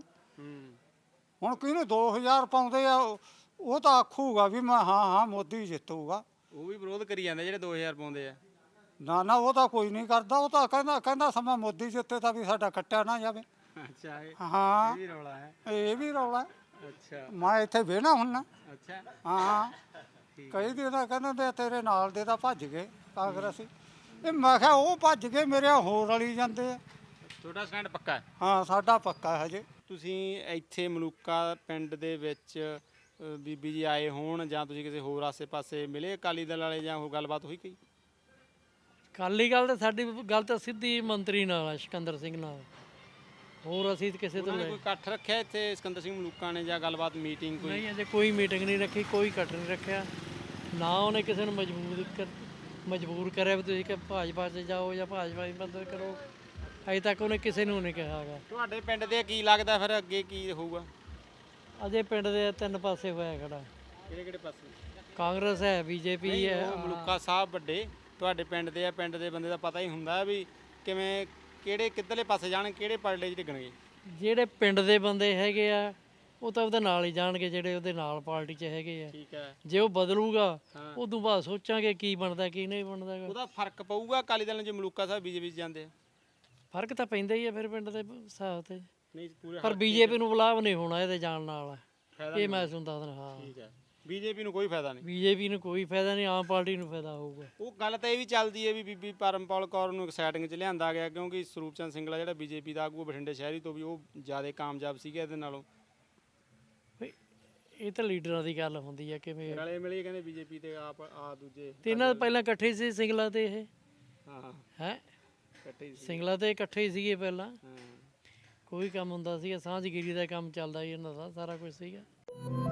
Speaker 2: ਹੁਣ ਕਿਹਨੂੰ ਦੋ ਹਜ਼ਾਰ ਪਾਉਂਦੇ ਆ, ਉਹ ਤਾਂ ਆਖੂਗਾ ਵੀ ਮੈਂ ਹਾਂ ਹਾਂ ਮੋਦੀ ਜਿੱਤੂਗਾ।
Speaker 4: ਉਹ ਵੀ ਵਿਰੋਧ ਕਰੀ ਜਾਂਦੇ ਜਿਹੜੇ ਦੋ ਹਜ਼ਾਰ ਪਾਉਂਦੇ ਆ।
Speaker 2: ਨਾ ਨਾ, ਉਹ ਤਾਂ ਕੋਈ ਨਹੀਂ ਕਰਦਾ, ਉਹ ਤਾਂ ਕਹਿੰਦਾ ਕਹਿੰਦਾ ਸਮਾਂ ਮੋਦੀ ਜਿੱਤੇ ਤਾਂ ਵੀ ਸਾਡਾ ਕੱਟਿਆ ਨਾ ਜਾਵੇ।
Speaker 4: ਅੱਛਾ ਇਹ
Speaker 2: ਹਾਂ,
Speaker 4: ਵੀ ਰੌਲਾ ਹੈ।
Speaker 2: ਇਹ ਵੀ ਰੌਲਾ ਹੈ।
Speaker 4: ਅੱਛਾ
Speaker 2: ਮੈਂ ਇੱਥੇ ਵੇਹਣਾ ਹੁੰਨਾ।
Speaker 4: ਅੱਛਾ
Speaker 2: ਹਾਂ, ਕਈ ਦਿਨ ਤਾਂ ਕਹਿੰਦੇ ਤੇ ਤੇਰੇ ਨਾਲ ਦੇ ਤਾਂ ਭੱਜ ਗਏ ਕਾਂਗਰਸੀ। ਇਹ ਮੈਂ ਕਿਹਾ ਉਹ ਭੱਜ ਗਏ, ਮੇਰੇ ਹੋਰ ਰਲੀ ਜਾਂਦੇ ਆ।
Speaker 4: ਤੁਹਾਡਾ ਸਟੈਂਡ ਪੱਕਾ ਹੈ?
Speaker 2: ਹਾਂ, ਸਾਡਾ ਪੱਕਾ ਹੈ ਹਜੇ।
Speaker 4: ਤੁਸੀਂ ਇੱਥੇ ਮਲੂਕਾ ਪਿੰਡ ਦੇ ਵਿੱਚ ਅ, ਬੀਬੀ ਜੀ ਆਏ ਹੋਣ ਜਾਂ ਤੁਸੀਂ ਕਿਸੇ ਹੋਰ ਆਸੇ-ਪਾਸੇ ਮਿਲੇ ਅਕਾਲੀ ਦਲ ਵਾਲੇ ਜਾਂ ਹੋਰ ਗੱਲਬਾਤ ਹੋਈ ਕੋਈ?
Speaker 6: ਅਕਾਲੀ ਗੱਲ ਤਾਂ ਸਾਡੀ ਗੱਲ ਤਾਂ ਸਿੱਧੀ ਮੰਤਰੀ ਨਾਲ ਆ, ਸਿਕੰਦਰ ਸਿੰਘ ਨਾਲ। ਹੋਰ ਅਸੀਂ ਤਾਂ ਕਿਸੇ ਤੋਂ
Speaker 4: ਉਹਨਾਂ ਨੇ
Speaker 6: ਲੈ
Speaker 4: ਕੋਈ ਇਕੱਠ ਰੱਖਿਆ ਇੱਥੇ ਸਿਕੰਦਰ ਸਿੰਘ ਮਲੂਕਾ ਨੇ ਜਾਂ ਗੱਲਬਾਤ ਮੀਟਿੰਗ ਕੋਈ?
Speaker 6: ਨਹੀਂ, ਅਜੇ ਕੋਈ ਮੀਟਿੰਗ ਨਹੀਂ ਰੱਖੀ, ਕੋਈ ਇਕੱਠ ਨਹੀਂ ਰੱਖਿਆ। ਨਾ ਉਹਨੇ ਕਿਸੇ ਨੂੰ ਮਜਬੂਰ ਕਰ ਮਜਬੂਰ ਕਰਿਆ ਵੀ ਤੁਸੀਂ ਕਿ ਭਾਜਪਾ 'ਚ ਜਾਓ ਜਾਂ ਭਾਜਪਾ ਦੀ ਮਦਦ ਕਰੋ। ਅਜੇ ਤੱਕ ਉਹਨੇ ਕਿਸੇ ਨੂੰ ਨਹੀਂ ਕਿਹਾ ਹੈਗਾ।
Speaker 4: ਤੁਹਾਡੇ ਪਿੰਡ ਦੇ ਕੀ ਲੱਗਦਾ ਫਿਰ ਅੱਗੇ ਕੀ ਹੋਊਗਾ?
Speaker 6: ਅਜੇ ਪਿੰਡ ਦੇ ਤਿੰਨ ਪਾਸੇ ਹੋਇਆ ਖੜਾ,
Speaker 4: ਕਿਹੜੇ ਕਿਹੜੇ ਪਾਸੇ?
Speaker 6: ਕਾਂਗਰਸ ਹੈ, ਬੀਜੇਪੀ
Speaker 4: ਨਹੀਂ,
Speaker 6: ਹੈ।
Speaker 4: ਉਹ ਮਲੂਕਾ ਸਾਹਿਬ ਵੱਡੇ ਤੁਹਾਡੇ ਪਿੰਡ ਦੇ ਆ, ਪਿੰਡ ਦੇ ਬੰਦੇ ਦਾ ਪਤਾ ਹੀ ਹੁੰਦਾ ਵੀ ਕਿਵੇਂ ਕਿਹੜੇ ਕਿੱਧਰਲੇ ਪਾਸੇ ਜਾਣ, ਕਿਹੜੇ ਪਰਲੇ 'ਚ ਡਿੱਗਣਗੇ।
Speaker 6: ਜਿਹੜੇ ਪਿੰਡ ਦੇ ਬੰਦੇ ਹੈਗੇ ਆ ਉਹ ਤਾਂ ਉਹਦੇ ਨਾਲ ਹੀ ਜਾਣਗੇ, ਜਿਹੜੇ ਉਹਦੇ ਨਾਲ ਪਾਰਟੀ 'ਚ ਹੈਗੇ ਆ।
Speaker 4: ਠੀਕ ਹੈ।
Speaker 6: ਜੇ ਉਹ ਬਦਲੂਗਾ ਉਦੋਂ ਬਾਅਦ ਸੋਚਾਂਗੇ ਕੀ ਬਣਦਾ ਕੀ ਨਹੀਂ ਬਣਦਾ ਗਾ।
Speaker 4: ਉਹਦਾ ਫਰਕ ਪਊਗਾ ਅਕਾਲੀ ਦਲ ਨੂੰ ਜੇ ਮਲੂਕਾ ਸਾਹਿਬ ਬੀਜੇਪੀ 'ਚ ਜਾਂਦੇ ਆ?
Speaker 6: ਫਰਕ ਤਾਂ ਪੈਂਦਾ ਹੀ ਆ ਫਿਰ ਪਿੰਡ ਦੇ ਹਿਸਾਬ ਤੇ।
Speaker 4: ਨਹੀਂ ਪੂਰੇ
Speaker 6: ਪਰ ਬੀਜੇਪੀ ਨੂੰ ਬੁਲਾਵ ਨਹੀਂ ਹੋਣਾ ਇਹਦੇ ਜਾਣ ਨਾਲ,
Speaker 4: ਫਾਇਦਾ
Speaker 6: ਇਹ ਮੈਂ ਤੁਹਾਨੂੰ ਦੱਸਦਾ। ਹਾਂ,
Speaker 4: ਠੀਕ ਹੈ। ਬੀਜੇਪੀ ਨੂੰ ਕੋਈ ਫਾਇਦਾ ਨਹੀਂ।
Speaker 6: ਬੀਜੇਪੀ ਨੂੰ ਕੋਈ ਫਾਇਦਾ ਨਹੀਂ, ਆਮ ਪਾਰਟੀ ਨੂੰ ਫਾਇਦਾ ਹੋਊਗਾ।
Speaker 4: ਉਹ ਗੱਲ ਤਾਂ ਇਹ ਵੀ ਚੱਲਦੀ ਹੈ ਵੀ ਬੀਬੀ ਪਰਮਪਾਲ ਕੌਰ ਨੂੰ ਐਕਸਾਈਟਿੰਗ 'ਚ ਲਿਆਂਦਾ ਗਿਆ ਕਿਉਂਕਿ ਸਰੂਪ ਚੰਦ ਸਿੰਗਲਾ ਜਿਹੜਾ ਬੀਜੇਪੀ ਦਾ ਆਗੂ ਬਠਿੰਡੇ ਸ਼ਹਿਰੀ ਤੋਂ ਵੀ ਉਹ ਜ਼ਿਆਦਾ ਕਾਮਯਾਬ ਸੀਗਾ ਇਹਦੇ ਨਾਲੋਂ।
Speaker 6: ਇਹ ਤਾਂ ਲੀਡਰਾਂ ਦੀ ਗੱਲ ਹੁੰਦੀ ਆ ਕਿਵੇਂ।
Speaker 4: ਰਲੇ ਮਿਲੇ ਕਹਿੰਦੇ ਬੀਜੇਪੀ ਤੇ ਆਪ ਆ ਦੂਜੇ
Speaker 6: ਤੇ ਇਹਨਾਂ ਪਹਿਲਾਂ ਇਕੱਠੇ ਸੀ ਸਿੰਗਲਾ ਤੇ ਇਹ
Speaker 4: ਹਾਂ
Speaker 6: ਹੈ
Speaker 4: ਇਕੱਠੇ ਹੀ ਸੀ।
Speaker 6: ਸਿੰਗਲਾ ਤੇ ਇਕੱਠੇ ਹੀ ਸੀਗੇ ਪਹਿਲਾਂ।
Speaker 4: ਹਾਂ
Speaker 6: ਕੋਈ ਕੰਮ ਹੁੰਦਾ ਸੀਗਾ, ਸਾਂਝਗਿਰੀ ਦਾ ਕੰਮ ਚੱਲਦਾ ਸੀ ਇਹਨਾਂ ਦਾ, ਸਾਰਾ ਕੁਝ ਸੀਗਾ।